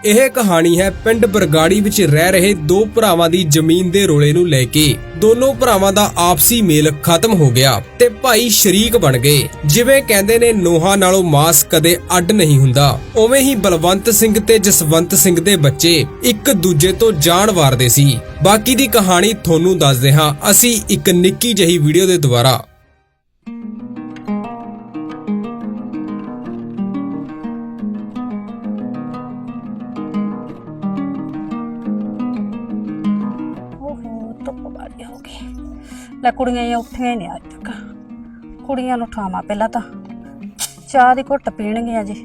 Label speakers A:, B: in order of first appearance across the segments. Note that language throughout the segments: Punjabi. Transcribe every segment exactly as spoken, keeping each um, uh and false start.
A: ਇਹ ਕਹਾਣੀ ਹੈ ਪਿੰਡ ਬਰਗਾੜੀ ਵਿੱਚ ਰਹਿ ਰਹੇ ਦੋ ਭਰਾਵਾਂ ਦੀ ਜ਼ਮੀਨ ਦੇ ਰੋਲੇ ਨੂੰ ਲੈ ਕੇ। ਦੋਨੋਂ ਭਰਾਵਾਂ ਦਾ ਆਪਸੀ ਮੇਲ ਖਤਮ ਹੋ ਗਿਆ ਤੇ ਭਾਈ ਸ਼ਰੀਕ ਬਣ ਗਏ। ਜਿਵੇਂ ਕਹਿੰਦੇ ਨੇ ਨੋਹਾਂ ਨਾਲੋਂ ਮਾਸ ਕਦੇ ਅੱਡ ਨਹੀਂ ਹੁੰਦਾ, ਉਵੇਂ ਹੀ ਬਲਵੰਤ ਸਿੰਘ ਤੇ ਜਸਵੰਤ ਸਿੰਘ ਦੇ ਬੱਚੇ ਇੱਕ ਦੂਜੇ ਤੋਂ ਜਾਨ ਵਾਰਦੇ ਸੀ। ਬਾਕੀ ਦੀ ਕਹਾਣੀ ਤੁਹਾਨੂੰ ਦੱਸਦੇ ਹਾਂ ਅਸੀਂ ਇੱਕ ਨਿੱਕੀ ਜਿਹੀ ਵੀਡੀਓ ਦੇ ਦੁਆਰਾ।
B: ਲੈ ਕੁੜੀਆਂ ਉੱਠੀਆਂ ਹੀ ਨਹੀਂ ਅੱਜ ਤੱਕ। ਕੁੜੀਆਂ ਨੂੰ ਉਠਾਵਾਂ ਪਹਿਲਾਂ ਤਾਂ ਚਾਹ ਦੀ ਘੁੱਟ ਪੀਣਗੀਆਂ ਜੀ।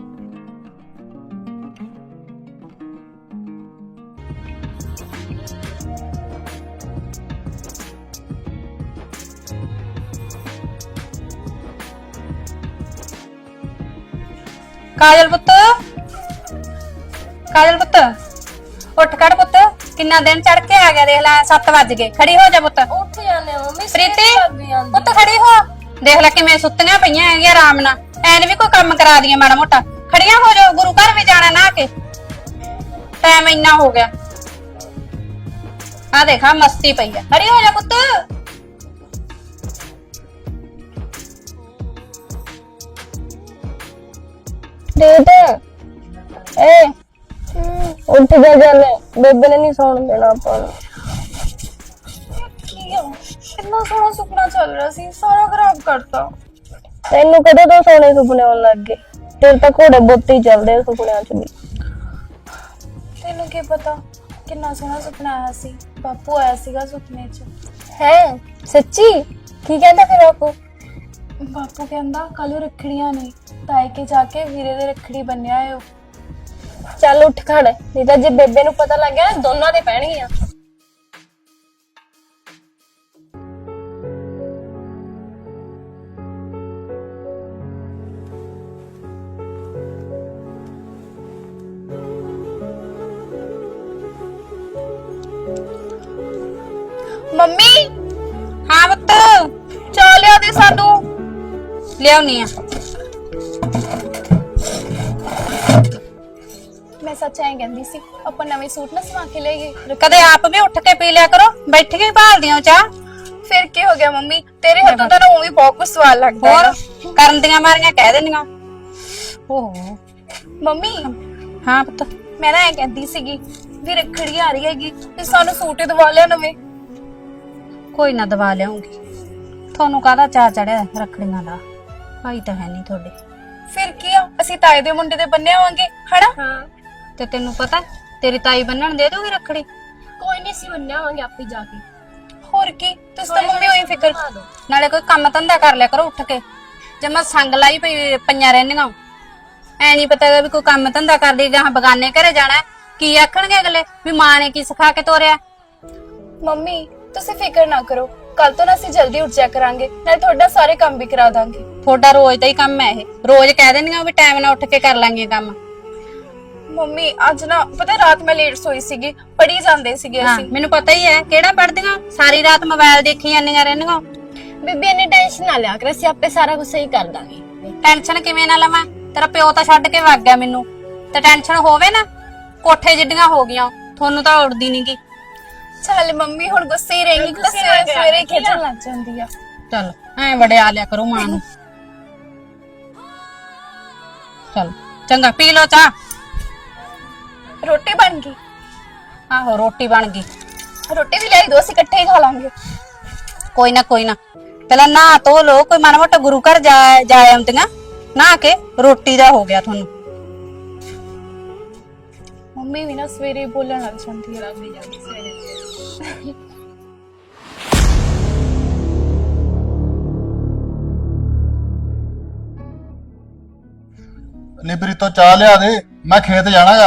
B: ਕਾਜਲ ਪੁੱਤ, ਕਾਜਲ ਪੁੱਤ ਉੱਠ ਖੜ ਪੁੱਤ, ਕਿੰਨਾ ਦਿਨ ਚੜ ਕੇ ਆ ਗਿਆ। ਦੇਖ ਲੈ ਸੱਤ ਵੱਜ ਗਏ। ਖੜੀ ਹੋ ਜਾ ਪੁੱਤ।
C: ਉੱਠ ਜਾਂਦੇ ਮੰਮੀ।
B: ਪ੍ਰੀਤੀ ਪੁੱਤ ਖੜੀ ਹੋ। ਦੇਖ ਲੈ ਕਿਵੇਂ ਸੁੱਤੀਆਂ ਪਈਆਂ ਹੈਗੀਆਂ ਆਰਾਮ ਨਾਲ। ਐਨ ਵੀ ਕੋਈ ਕੰਮ ਕਰਾ ਦੀਆਂ ਮਾੜਾ ਮੋਟਾ। ਖੜੀਆਂ ਹੋ ਜਾਓ, ਗੁਰੂ ਘਰ ਵੀ ਜਾਣਾ ਨਾ ਕੇ। ਟਾਈਮ ਇੰਨਾ ਹੋ ਗਿਆ। ਆ ਦੇਖਾ ਮਸਤੀ ਪਈ ਆ। ਖੜੀ ਹੋ ਜਾ ਪੁੱਤ।
C: ਪ੍ਰੀਤ ਏ ਉੱਠ ਜਾ ਜਾਨੇ, ਬੇਬੇ ਨੇ ਨਹੀਂ ਸੌਣ ਦੇਣਾ ਆਪਾਂ ਨੂੰ। ਕੀ ਹੋ, ਕਿੰਨਾ ਸੋਹਣਾ ਸੁਪਨਾ ਚੱਲ ਰਿਹਾ ਸੀ, ਸਾਰਾ ਖਰਾਬ ਕਰਤਾ। ਤੈਨੂੰ ਕਦੋਂ ਤੋਂ ਸੋਹਣੇ ਸੁਪਨੇ ਆਉਣ ਲੱਗ ਗਏ? ਤੇਰੇ ਤਾਂ ਘੋੜੇ ਬੁੱਤੇ ਹੀ ਚੱਲਦੇ ਸੁਪਨਿਆਂ ਚ ਵੀ।
D: ਤੈਨੂੰ ਕੀ ਪਤਾ ਕਿੰਨਾ ਸੋਹਣਾ ਸੁਪਨਾ ਆਇਆ ਸੀ। ਬਾਪੂ ਆਇਆ ਸੀਗਾ ਸੁਪਨੇ ਚ।
C: ਹੈ ਸੱਚੀ? ਕੀ ਕਹਿੰਦਾ ਫਿਰ ਬਾਪੂ?
D: ਬਾਪੂ ਕਹਿੰਦਾ ਕੱਲ ਰੱਖੜੀਆਂ ਨੇ, ਤਾਏ ਕੇ ਜਾ ਕੇ ਵੀਰੇ ਦੇ ਰੱਖੜੀ ਬੰਨਿਆ ਏ।
C: ਚੱਲ ਉੱਠ ਖੜ, ਨਹੀਂ ਤਾਂ ਜੇ ਬੇਬੇ ਨੂੰ ਪਤਾ ਲੱਗ ਗਿਆ ਨਾ ਦੋਨਾਂ ਦੇ ਪੈਣਗੀਆਂ।
D: ਮੰਮੀ
B: ਹਾਂ ਪੁੱਤ,
D: ਚਾਹ ਲਿਆ ਦੇ ਸਾਨੂੰ।
B: ਲਿਆਉਣੀ ਆ।
D: ਮੈਂ ਸੱਚ ਐਂ ਕਹਿੰਦੀ ਸੀ ਆਪਾਂ ਨਵੇਂ ਸੂਟ ਨਾ ਸਵਾ ਕੇ ਲਈਏ।
B: ਕਦੇ ਆਪ ਵੀ ਉੱਠ ਕੇ ਪੀ ਲਿਆ ਕਰੋ, ਬੈਠ ਕੇ ਹੀ ਭਾਲਦੀਆਂ ਚਾਹ।
D: ਫਿਰ ਕੀ ਹੋ ਗਿਆ ਮੰਮੀ, ਤੇਰੇ ਹੱਥੋਂ ਤਾਂ ਉਹ ਵੀ ਬਹੁਤ ਕੁਝ ਸਵਾਦ ਲੱਗਦਾ ਹੈ।
B: ਹੋਰ ਕਰਨ ਦੀਆਂ ਮਾਰੀਆਂ ਕਹਿ ਦਿੰਦੀਆਂ। ਓਹ
D: ਮੰਮੀ
B: ਹਾਂ ਪੁੱਤ,
D: ਮੈਂ ਨਾ ਐਂ ਕਹਿੰਦੀ ਸੀਗੀ ਵੀ ਰੱਖੜੀ ਆ ਰਹੀ ਹੈਗੀ ਤੇ ਸਾਨੂੰ ਸੂਟ ਹੀ ਦਵਾ ਲਿਆ ਨਵੇਂ।
B: ਕੋਈ ਨਾ ਦਵਾ ਲਿਆਉਂਗੀ। ਤੁਹਾਨੂੰ ਕਾਹਦਾ ਚਾਅ ਚੜਿਆ ਰੱਖੜੀਆਂ ਦਾ? ਭਾਈ ਤਾਂ ਹੈ ਨਹੀਂ ਤੁਹਾਡੇ।
D: ਫਿਰ ਕੀ ਆ, ਅਸੀਂ ਤਾਏ ਦੇ ਮੁੰਡੇ ਦੇ ਬੰਨੇ ਆਵਾਂਗੇ ਹਨਾ।
C: ਹਾਂ
B: ਤੇ ਤੈਨੂੰ ਪਤਾ ਤੇਰੀ ਤਾਈ ਬੰਨਣ ਦੇ ਦੂਗੀ ਰੱਖੜੀ।
C: ਕੋਈ ਨਹੀਂ, ਸੀ ਬੰਨਿਆ ਆਵਾਂਗੇ ਆਪੇ ਜਾ ਕੇ।
D: ਹੋਰ ਕੀ, ਤੁਸੀਂ ਤਾਂ ਮੰਮੀ ਹੋਈ ਫਿਕਰ।
B: ਨਾਲੇ ਕੋਈ ਕੰਮ ਧੰਦਾ ਕਰ ਲਿਆ ਕਰੋ ਉੱਠ ਕੇ। ਜੇ ਮੈਂ ਸੰਗ ਲਾਈ ਪਈ ਪਈਆਂ ਰਹਿੰਦੀਆਂ, ਐ ਨਹੀਂ ਪਤਾ ਵੀ ਕੋਈ ਕੰਮ ਧੰਦਾ ਕਰਦੀ ਜਾਂ ਬਗਾਨੇ ਘਰੇ ਜਾਣਾ। ਕੀ ਆਖਣਗੇ ਅਗਲੇ ਵੀ ਮਾਂ ਨੇ ਕੀ ਸਿਖਾ ਕੇ ਤੋਰਿਆ।
D: ਮੰਮੀ ਤੁਸੀਂ ਫਿਕਰ ਨਾ ਕਰੋ, ਕੱਲ ਤੋਂ ਨਾ ਅਸੀਂ ਜਲਦੀ ਉੱਠ ਜਾ ਕਰਾਂਗੇ, ਨਾਲੇ ਤੁਹਾਡਾ ਸਾਰੇ ਕੰਮ ਵੀ ਕਰਾ ਦਾਂਗੇ।
B: ਤੁਹਾਡਾ ਰੋਜ਼ ਦਾ ਹੀ ਕੰਮ ਹੈ ਇਹ। ਰੋਜ਼ ਕਹਿ ਦਿੰਦੀਆਂ ਵੀ ਟਾਈਮ ਨਾਲ ਉੱਠ ਕੇ ਕਰ ਲਾਂਗੇ ਕੰਮ।
D: ਮੰਮੀ ਅੱਜ ਨਾ ਪਤਾ ਰਾਤ ਮੈਂ ਲੇਟ ਸੋਈ ਸੀਗੀ, ਪੜੀ ਜਾਂਦੇ ਸੀਗੇ
B: ਹਾਂ
D: ਅਸੀਂ।
B: ਮੈਨੂੰ ਪਤਾ ਹੀ ਹੈ ਕਿਹੜਾ ਪੜਦੀਆਂ। ਸਾਰੀ ਰਾਤ ਮੋਬਾਈਲ ਦੇਖੀ ਜਾਂਦੀਆਂ ਰਹਿੰਦੀਆਂ।
C: ਬੀਬੀ ਇੰਨੀ ਟੈਨਸ਼ਨ ਨਾ ਲਿਆ ਕਰ, ਅਸੀਂ ਆਪੇ ਸਾਰਾ ਕੁਝ ਸਹੀ ਕਰ ਦਾਂਗੇ।
B: ਟੈਨਸ਼ਨ ਕਿਵੇਂ ਨਾ ਲਵਾਂ? ਤੇਰਾ ਪਿਓ ਤਾਂ ਛੱਡ ਕੇ ਵਗ ਗਿਆ ਮੈਨੂੰ, ਤੇ ਟੈਨਸ਼ਨ ਹੋਵੇ ਨਾ। ਕੋਠੇ ਜਿੱਡੀਆਂ ਹੋ ਗਈਆਂ, ਤੁਹਾਨੂੰ ਤਾਂ ਉੜਦੀ ਨਹੀਂਗੀ।
D: ਚੱਲ ਮੰਮੀ ਹੁਣ ਗੁੱਸੇ ਹੀ ਰਹੇਗੀ ਤਾਂ ਸਵੇਰੇ ਸਵੇਰੇ ਖੇਚਣ ਲੱਗ ਜਾਂਦੀ ਆ।
B: ਚੱਲ ਐ ਬੜੇ ਆ ਲਿਆ ਕਰੋ ਮਾਂ ਨੂੰ। ਚੱਲ ਚੰਗਾ ਪੀ ਲੋ ਚਾਹ।
D: ਰੋਟੀ ਬਣ ਗਈ?
B: ਆਹੋ ਰੋਟੀ ਬਣ ਗਈ।
D: ਰੋਟੀ ਵੀ ਲਿਆਈ ਦੋ, ਅਸੀਂ ਇਕੱਠੇ ਹੀ ਖਾ ਲਾਂਗੇ।
B: ਕੋਈ ਨਾ ਕੋਈ ਨਾ, ਪਹਿਲਾਂ ਨਹਾ ਧੋ ਲੋ। ਕੋਈ ਮਾੜਾ ਮੋਟਾ ਗੁਰੂ ਘਰ ਜਾ ਜਾ ਆਉਂਦੀਆਂ ਨਹਾ ਕੇ। ਰੋਟੀ ਦਾ ਹੋ ਗਿਆ ਤੁਹਾਨੂੰ।
D: ਮੰਮੀ ਵੀ ਨਾ ਸਵੇਰੇ ਬੋਲਣ ਲੱਗ ਜਾਂਦੀ ਹੈ। ਸਵੇਰੇ
E: ਨਿਬਰੀ ਤੋਂ ਚਾਹ ਲਿਆ ਦੇ, ਮੈਂ ਖੇਤ ਜਾਣਾਗਾ।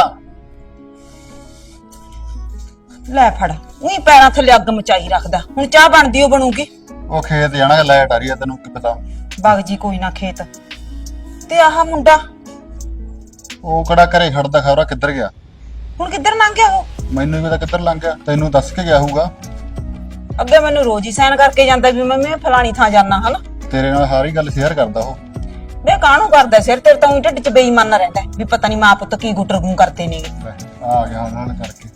F: ਲੈ ਫੜ, ਉਹੀ ਪੈਰਾਂ ਥੱਲੇ ਅੱਗ ਮਚਾਈ ਰੱਖਦਾ। ਹੁਣ ਚਾਹ ਬਣਦੀ ਉਹ ਬਣੂਗੀ।
E: ਉਹ ਖੇਤ ਜਾਣਾਗਾ, ਲਾਈਟ ਆ ਰਹੀ ਆ, ਤੈਨੂੰ ਕੀ ਪਤਾ।
F: ਬਗ ਜੀ ਕੋਈ ਨਾ ਖੇਤ। ਤੇ ਆਹ ਮੁੰਡਾ
E: ਉਹ ਕਿਹੜਾ ਘਰੇ ਖੜਦਾ, ਖਬਰਾ ਕਿੱਧਰ ਗਿਆ।
F: ਹੁਣ ਕਿੱਧਰ ਲੰਘ ਗਿਆ ਉਹ?
E: ਮੈਨੂੰ ਵੀ ਪਤਾ ਕਿੱਧਰ ਲੰਘ ਗਿਆ, ਤੈਨੂੰ ਦੱਸ ਕੇ ਗਿਆ ਹੋਊਗਾ।
F: ਅੱਗੇ ਮੈਨੂੰ ਰੋਜ਼ ਹੀ ਸਾਈਨ ਕਰਕੇ ਜਾਂਦਾ ਵੀ ਮੈਂ ਮੈਂ ਫਲਾਣੀ ਥਾਂ ਜਾਣਾ ਹਨਾ।
E: ਤੇਰੇ ਨਾਲ ਸਾਰੀ ਗੱਲ ਸ਼ੇਅਰ ਕਰਦਾ ਉਹ।
F: ਵੇ ਕਾਹਨੂੰ ਕਰਦਾ ਸਿਰ ਤੇਰੇ ਤਾਂ ਊਂ ਢਿੱਡ 'ਚ ਬੇਈਮਾਨ ਰਹਿੰਦਾ ਵੀ ਪਤਾ ਨਹੀਂ ਮਾਂ ਪੁੱਤ ਕੀ ਗੁੱਟਰਗੂੰ ਕਰਦੇ ਨੇਗੇ।
E: ਲੈ, ਆ ਗਿਆ ਉਹਨਾਂ ਨੇ ਕਰਕੇ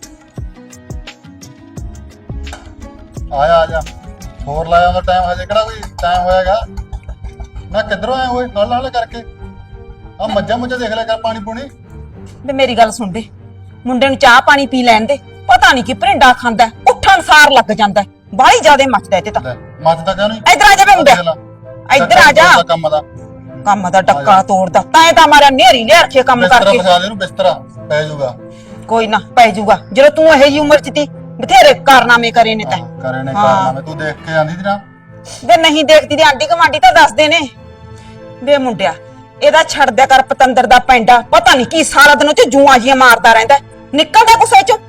E: ਆਇਆ ਆ ਜਾ ਹੋਰ ਲਾਇਆ ਉਹਦਾ ਟਾਈਮ ਹਜੇ ਕਿਹੜਾ ਕੋਈ ਟਾਈਮ ਹੋਇਆਗਾ ਨਾ ਕਿੱਧਰੋਂ ਆਇਆ ਹੋਏ ਨਾਲ ਨਾਲ ਕਰਕੇ ਆ ਮੱਝਾਂ ਮੁੱਝਾਂ ਦੇਖ ਲਿਆ ਕਰ ਪਾਣੀ ਪੂਣੀ
F: ਵੇ ਮੇਰੀ ਗੱਲ ਸੁਣ ਦੇ ਮੁੰਡੇ ਨੂੰ ਚਾਹ ਪਾਣੀ ਪੀ ਲੈਣ ਦੇ ਪਤਾ ਨਹੀਂ ਕੀ ਭਰਿੰਡਾ ਖਾਂਦਾ ਉੱਠਣ ਸਾਰ ਲੱਗ ਜਾਂਦਾ ਬਾਹਲੀ ਜ਼ਿਆਦੇ ਮੱਚਦਾ ਇਹ ਤੇ ਤਾਂ
E: ਲੈ ਮੱਝਦਾ ਕਿਉਂ ਨਹੀਂ
F: ਇੱਧਰ ਆ ਜਾ ਵੇ ਮੁੰਡਾ ਇੱਧਰ ਆ ਜਾ
E: ਕੰਮ ਦਾ
F: ਕੰਮ ਦਾ ਟੱਕਾ ਤੋੜਦਾ ਤਾਂ ਤਾਂ ਮਾਰਿਆ ਨੇਰੀ ਲਿਆ ਰੱਖੇ ਕੰਮ
E: ਬਿਸਤਰਾ
F: ਕਰਕੇ
E: ਫਸਾ ਦੇ ਇਹਨੂੰ ਬਿਸਤਰਾ ਪੈ ਜਾਊਗਾ
F: ਕੋਈ ਨਾ ਪੈ ਜਾਊਗਾ ਜਦੋਂ ਤੂੰ ਇਹ ਜੀ ਉਮਰ 'ਚ ਤੀ ਬਥੇਰੇ ਕਾਰਨਾਮੇ ਕਰੇ ਨੇ ਤਾਂ
E: ਕਰੇ ਨੇ
F: ਹਾਂ।
E: ਕਾਰਨਾਮੇ ਤੂੰ ਦੇਖ ਕੇ ਆਂਦੀ ਸੀ ਨਾ
F: ਵੇ ਨਹੀਂ ਦੇਖਦੀ ਤੇ ਆਂਟੀ ਕਮਾਂਡੀ ਤਾਂ ਦੱਸਦੇ ਨੇ ਵੇ ਮੁੰਡਿਆ ਇਹਦਾ ਛੱਡ ਦਿਆ ਕਰ ਪਤੰਦਰ ਦਾ ਪੈਂਡਾ ਪਤਾ ਨਹੀਂ ਕੀ ਸਾਰਾ ਦਿਨ ਉਹ ਚ ਜੂਆਂ ਜੀਆਂ ਮਾਰਦਾ ਰਹਿੰਦਾ ਨਿਕਲਦਾ ਗੁੱਸੇ ਚੋਂ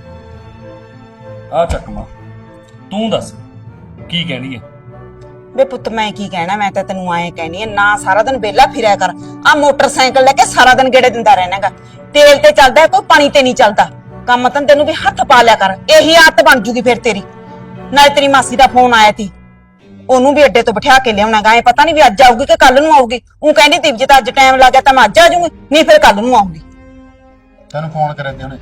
G: ਆ ਚੱਕਮਾ ਤੂੰ ਦੱਸ ਕੀ ਕਹਿਣੀ ਹੈ?
F: ਵੇ ਪੁੱਤ ਮੈਂ ਕੀ ਕਹਿਣਾ ਮੈਂ ਤਾਂ ਤੈਨੂੰ ਐਂ ਕਹਿਣੀ ਆ ਨਾ ਸਾਰਾ ਦਿਨ ਵਿਹਲਾ ਫਿਰਿਆ ਕਰ ਆ ਮੋਟਰਸਾਈਕਲ ਲੈ ਕੇ ਸਾਰਾ ਦਿਨ ਗੇੜੇ ਦਿੰਦਾ ਰਹਿਣਾਗਾ ਤੇਲ ਤੇ ਚੱਲਦਾ ਕੋਈ ਪਾਣੀ ਤੇ ਨਹੀਂ ਚੱਲਦਾ ਕੰਮ ਤਾਂ ਤੈਨੂੰ ਵੀ ਹੱਥ ਪਾ ਲਿਆ ਕਰ ਇਹੀ ਆਦਤ ਬਣ ਜੂਗੀ ਫਿਰ ਤੇਰੀ ਨਾਲੇ ਤੇਰੀ ਮਾਸੀ ਦਾ ਫੋਨ ਆਇਆ ਸੀ ਉਹਨੂੰ ਵੀ ਅੱਡੇ ਤੋਂ ਬਿਠਾ ਕੇ ਲਿਆਉਣਾਗਾ ਐ ਪਤਾ ਨਹੀਂ ਵੀ ਅੱਜ ਆਊਗੀ ਕਿ ਕੱਲ ਨੂੰ ਆਊਗੀ ਉਹ ਕਹਿੰਦੀ ਤੀ ਜੇ ਤਾਂ ਅੱਜ ਟਾਈਮ ਲੱਗ ਗਿਆ ਤਾਂ ਮੈਂ ਅੱਜ ਆ ਜਾਊਂਗੀ ਨਹੀਂ ਫਿਰ ਕੱਲ ਨੂੰ ਆਊਂਗੀ
E: ਤੈਨੂੰ ਫੋਨ ਕਰਿਆ ਤੇ ਉਹਨੇ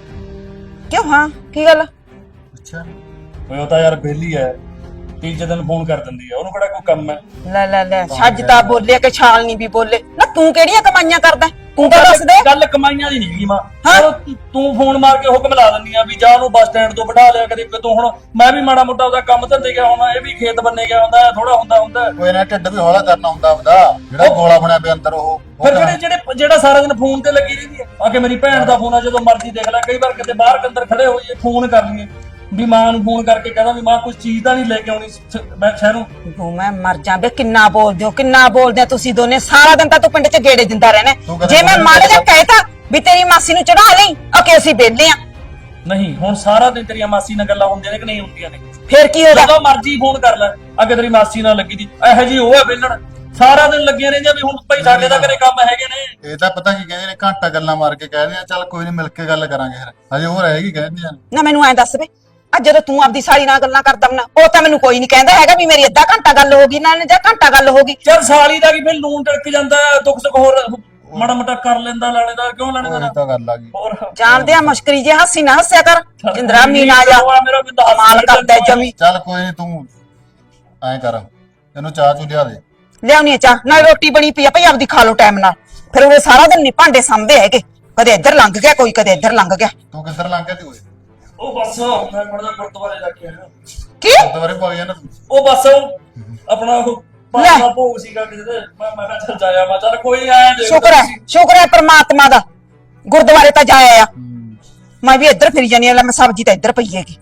F: ਕਿਉਂ ਹਾਂ ਕੀ ਗੱਲ
E: ਅੱਛਾ
G: ਓਏ ਉਹ ਤਾਂ ਯਾਰ ਬੇਲੀ ਐ ਤੀਜੇ ਦਿਨ ਫੋਨ ਕਰ ਦਿੰਦੀ ਆ ਉਹਨੂੰ ਕਿਹੜਾ ਕੋਈ ਕੰਮ ਹੈ?
F: ਲੈ ਲੈ ਲੈ ਛੱਜ ਤਾਂ ਬੋਲੇ ਕਿ ਛਾਲ ਨਹੀਂ ਵੀ ਬੋਲੇ ਨਾ ਤੂੰ ਕਿਹੜੀਆਂ ਕਮਾਈਆਂ ਕਰਦਾ ਤੂੰ ਤਾਂ ਦੱਸ ਦੇ
G: ਗੱਲ ਕਮਾਈਆਂ ਦੀ ਨਹੀਂ ਗਈ ਮਾਂ
F: ਹਾਂ?
G: ਉਹ ਤੂੰ ਫੋਨ ਮਾਰ ਕੇ ਹੁਕਮ ਲਾ ਦਿੰਦੀ ਆ ਵੀ ਜਾ ਉਹਨੂੰ ਬੱਸ ਸਟੈਂਡ ਤੋਂ ਬਿਠਾ ਲਿਆ ਕਦੇ ਤੂੰ ਹੁਣ ਮੈਂ ਵੀ ਮਾੜਾ ਮੋਟਾ ਉਹਦਾ ਕੰਮ ਧੰਦੇ ਗਿਆ ਹੋਣਾ ਇਹ ਵੀ ਖੇਤ ਬੰਨੇ ਗਿਆ ਹੁੰਦਾ ਥੋੜਾ ਹੁੰਦਾ ਹੁੰਦਾ
E: ਕੋਈ ਨਾ ਢਿੱਡ ਵੀ ਹੌਲਾ ਕਰਨਾ ਹੁੰਦਾ ਆਪਦਾ ਜਿਹੜਾ ਗੋਲਾ ਬਣਿਆ ਪਿਆ ਅੰਦਰ ਉਹ ਉਹ
G: ਫਿਰ
E: ਕਰਨਾ।
G: ਜਿਹੜੇ ਜਿਹੜੇ ਜਿਹੜਾ ਸਾਰਾ ਦਿਨ ਫੋਨ ਤੇ ਲੱਗੀ ਰਹਿੰਦੀ ਹੈ ਆ ਕੇ ਮੇਰੀ ਭੈਣ ਦਾ ਫੋਨ ਆ ਜਦੋਂ ਮਰਜ਼ੀ ਦੇਖ ਲੈ ਕਈ ਵਾਰ ਕਿਤੇ ਬਾਹਰ ਅੰਦਰ ਖੜੇ ਹੋਈਏ ਫੋਨ ਕਰ ਲਈਏ ਵੀ ਮਾਂ ਨੂੰ ਫੋਨ ਕਰਕੇ ਕਹਿੰਦਾ ਵੀ ਮਾਂ ਕੁਝ ਚੀਜ਼ ਤਾਂ ਨਹੀਂ ਲੈ ਕੇ ਆਉਣੀ ਸ- ਮੈਂ ਸ਼ਹਿਰੋਂ
F: ਤੂੰ ਮੈਂ ਮਰ ਜਾ ਬੇ ਕਿੰਨਾ ਬੋਲਦੇ ਹੋ ਕਿੰਨਾ ਬੋਲਦੇ ਹੋ ਤੁਸੀਂ ਦੋਨੇ ਸਾਰਾ ਦਿਨ ਤਾਂ ਤੂੰ ਪਿੰਡ 'ਚ ਗੇੜੇ ਦਿੰਦਾ ਰਹਿਣਾ
E: ਤੂੰ ਕਦੇ
F: ਜੇ ਮੈਂ
E: ਬੋਲੀ
F: ਮਾੜਾ ਜਿਹਾ
E: ਨਹੀਂ
F: ਕਹਿਤਾ ਵੀ ਤੇਰੀ ਮਾਸੀ ਨੂੰ ਚੜਾ ਲਈ ਓਕੇ ਅਸੀਂ ਵਿਹਲੇ ਆ
G: ਨਹੀਂ ਹੁਣ ਸਾਰਾ ਦਿਨ ਤੇਰੀਆਂ ਮਾਸੀ ਨਾਲ ਗੱਲਾਂ ਹੁੰਦੀਆਂ ਨੇ ਕਿ ਨਹੀਂ ਹੁੰਦੀਆਂ ਨੇ
F: ਫਿਰ ਕੀ ਹੋਗਾ
G: ਜਦੋਂ ਮਰਜ਼ੀ ਫੋਨ ਕਰ ਲੈ ਅੱਗੇ ਤੇਰੀ ਮਾਸੀ ਨਾਲ ਲੱਗੀ ਦੀ ਇਹੋ ਜੀ ਉਹ ਹੈ ਵਿਹਲਣ ਸਾਰਾ ਦਿਨ ਲੱਗੀਆਂ ਰਹਿੰਦੀਆਂ ਵੀ ਹੁਣ ਭਾਈ ਸਾਡੇ ਦਾ ਘਰੇ ਕੰਮ ਹੈਗੇ ਨੇ
E: ਇਹ ਤਾਂ ਪਤਾ ਕੀ ਕਹਿੰਦੇ ਨੇ ਘੰਟਾ ਗੱਲਾਂ ਮਾਰ ਕੇ ਕਹਿੰਦੇ ਆ ਚੱਲ ਕੋਈ ਨਹੀਂ ਮਿਲ ਕੇ ਗੱਲ ਕਰਾਂਗੇ ਫਿਰ ਹਜੇ ਉਹ ਰਹੇਗੀ ਕਹਿੰਦੇ ਆ
F: ਨਾ ਮੈਨੂੰ ਐਂ ਦੱਸ ਵੇ ਅੱਜ ਜਦੋਂ ਤੂੰ ਆਪਦੀ ਸਾਲੀ ਨਾਲ ਗੱਲਾਂ ਕਰਦਾ ਬਣਾ ਉਹ ਤਾਂ ਮੈਨੂੰ ਕੋਈ ਨਹੀਂ ਕਹਿੰਦਾ ਹੈਗਾ ਵੀ ਮੇਰੀ ਅੱਧਾ ਘੰਟਾ ਗੱਲ ਹੋ ਗਈ ਨਾਲ ਜਾਂ ਘੰਟਾ ਗੱਲ ਹੋ ਗਈ
G: ਚੱਲ ਸਾਲੀ ਦਾ ਕੀ ਫਿਰ ਲੂਣ ਟੜਕ ਜਾਂਦਾ ਹੈ, ਦੁੱਖ ਸੁੱਖ ਹੋਰ ਮਾੜਾ ਮੋਟਾ ਕਰ ਲੈਂਦਾ ਲਾਣੇਦਾਰ ਕਿਉਂ
E: ਉਹ
G: ਲਾਣੇਦਾਰ
E: ਤਾਂ ਗੱਲ ਆ ਗਈ
G: ਹੋਰ
F: ਜਾਣਦੇ ਆ ਮੁਸ਼ਕਰੀ ਜੇ ਹੱਸੀ ਨਾ ਹੱਸਿਆ ਕਰ ਜਿੰਦਰਾ ਮੀਨ ਆ ਜਾ
G: ਮੇਰਾ ਵੀ ਦੱਸ
F: ਮਾਲ ਕਰਦਾ ਜਮੀ
E: ਚੱਲ ਕੋਈ ਨਹੀਂ ਤੂੰ ਐਂ ਕਰ ਇਹਨੂੰ ਚਾਹ ਚੂ ਲਿਆ ਦੇ
F: ਲਿਆਉਣੀ ਆ ਚਾਹ ਨਾਲ ਰੋਟੀ ਬਣੀ ਪਈ ਆ ਭਈ ਆਪਦੀ ਖਾ ਲੋ ਟਾਈਮ ਨਾਲ ਫਿਰ ਉਹ ਸਾਰਾ ਦਿਨ ਨਹੀਂ ਭਾਂਡੇ ਸਾਂਭਦੇ ਹੈਗੇ ਕਦੇ ਇੱਧਰ ਲੰਘ ਗਿਆ ਕੋਈ ਕਦੇ ਇੱਧਰ ਲੰਘ ਗਿਆ
E: ਤੂੰ ਕਿੱਧਰ ਲੰਘ ਗਿਆ ਤੀ ਓਏ
G: ਉਹ ਬਸ ਮੈਂ ਪੜਦਾ ਗੁਰਦੁਆਰੇ ਜਾ ਕੇ ਆਇਆ
F: ਕੀ
E: ਦੁਬਾਰੇ ਪਾ ਗਿਆ ਨਾ ਤੂੰ
G: ਉਹ ਬਸ ਉਹ ਆਪਣਾ ਉਹ ਪਾਣੀ ਦਾ ਭੋਗ ਸੀਗਾ ਕਿਤੇ ਤੇ ਮੈਂ ਮੈਂ ਕਿਹਾ ਚੱਲ ਜਾਇਆ ਮੈਂ ਚੱਲ ਕੋਈ ਆਇਆ ਦੇਖ
F: ਸ਼ੁਕਰ ਹੈ ਸ਼ੁਕਰ ਹੈ ਪ੍ਰਮਾਤਮਾ ਦਾ ਗੁਰਦੁਆਰੇ ਤਾਂ ਜਾਇਆ ਆ ਮੈਂ ਵੀ ਇੱਧਰ ਫਿਰੀ ਜਾਨੀ ਆ ਲੈ ਮੈਂ ਸਬਜ਼ੀ ਤਾਂ ਇੱਧਰ ਪਈ ਹੈਗੀ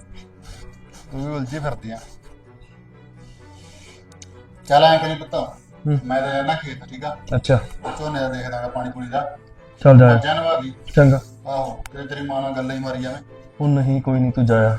E: ਤੂੰ ਵੀ ਉਲਝੀ ਫਿਰਦੀ ਆ ਚੱਲ ਐਂ ਕਰੀ ਪੁੱਤ ਮੈਂ ਤਾਂ ਜਾਣਾ ਖੇਤ ਠੀਕ ਆ
H: ਅੱਛਾ
E: ਝੋਨੇ ਦਾ ਦੇਖਦਾਗਾ ਪਾਣੀ ਪੂਣੀ ਦਾ
H: ਚੱਲ ਜਾ
E: ਮੱਝਾਂ ਨਵਾ ਲਈ
H: ਚੰਗਾ
E: ਆਹੋ ਤੇ ਤੇਰੀ ਮਾਂ ਨਾਲ ਗੱਲਾਂ ਹੀ ਮਾਰੀ ਜਾਵੇਂ
H: ਉਹ ਨਹੀਂ ਕੋਈ ਨਹੀਂ ਤੂੰ ਜਾਇਆ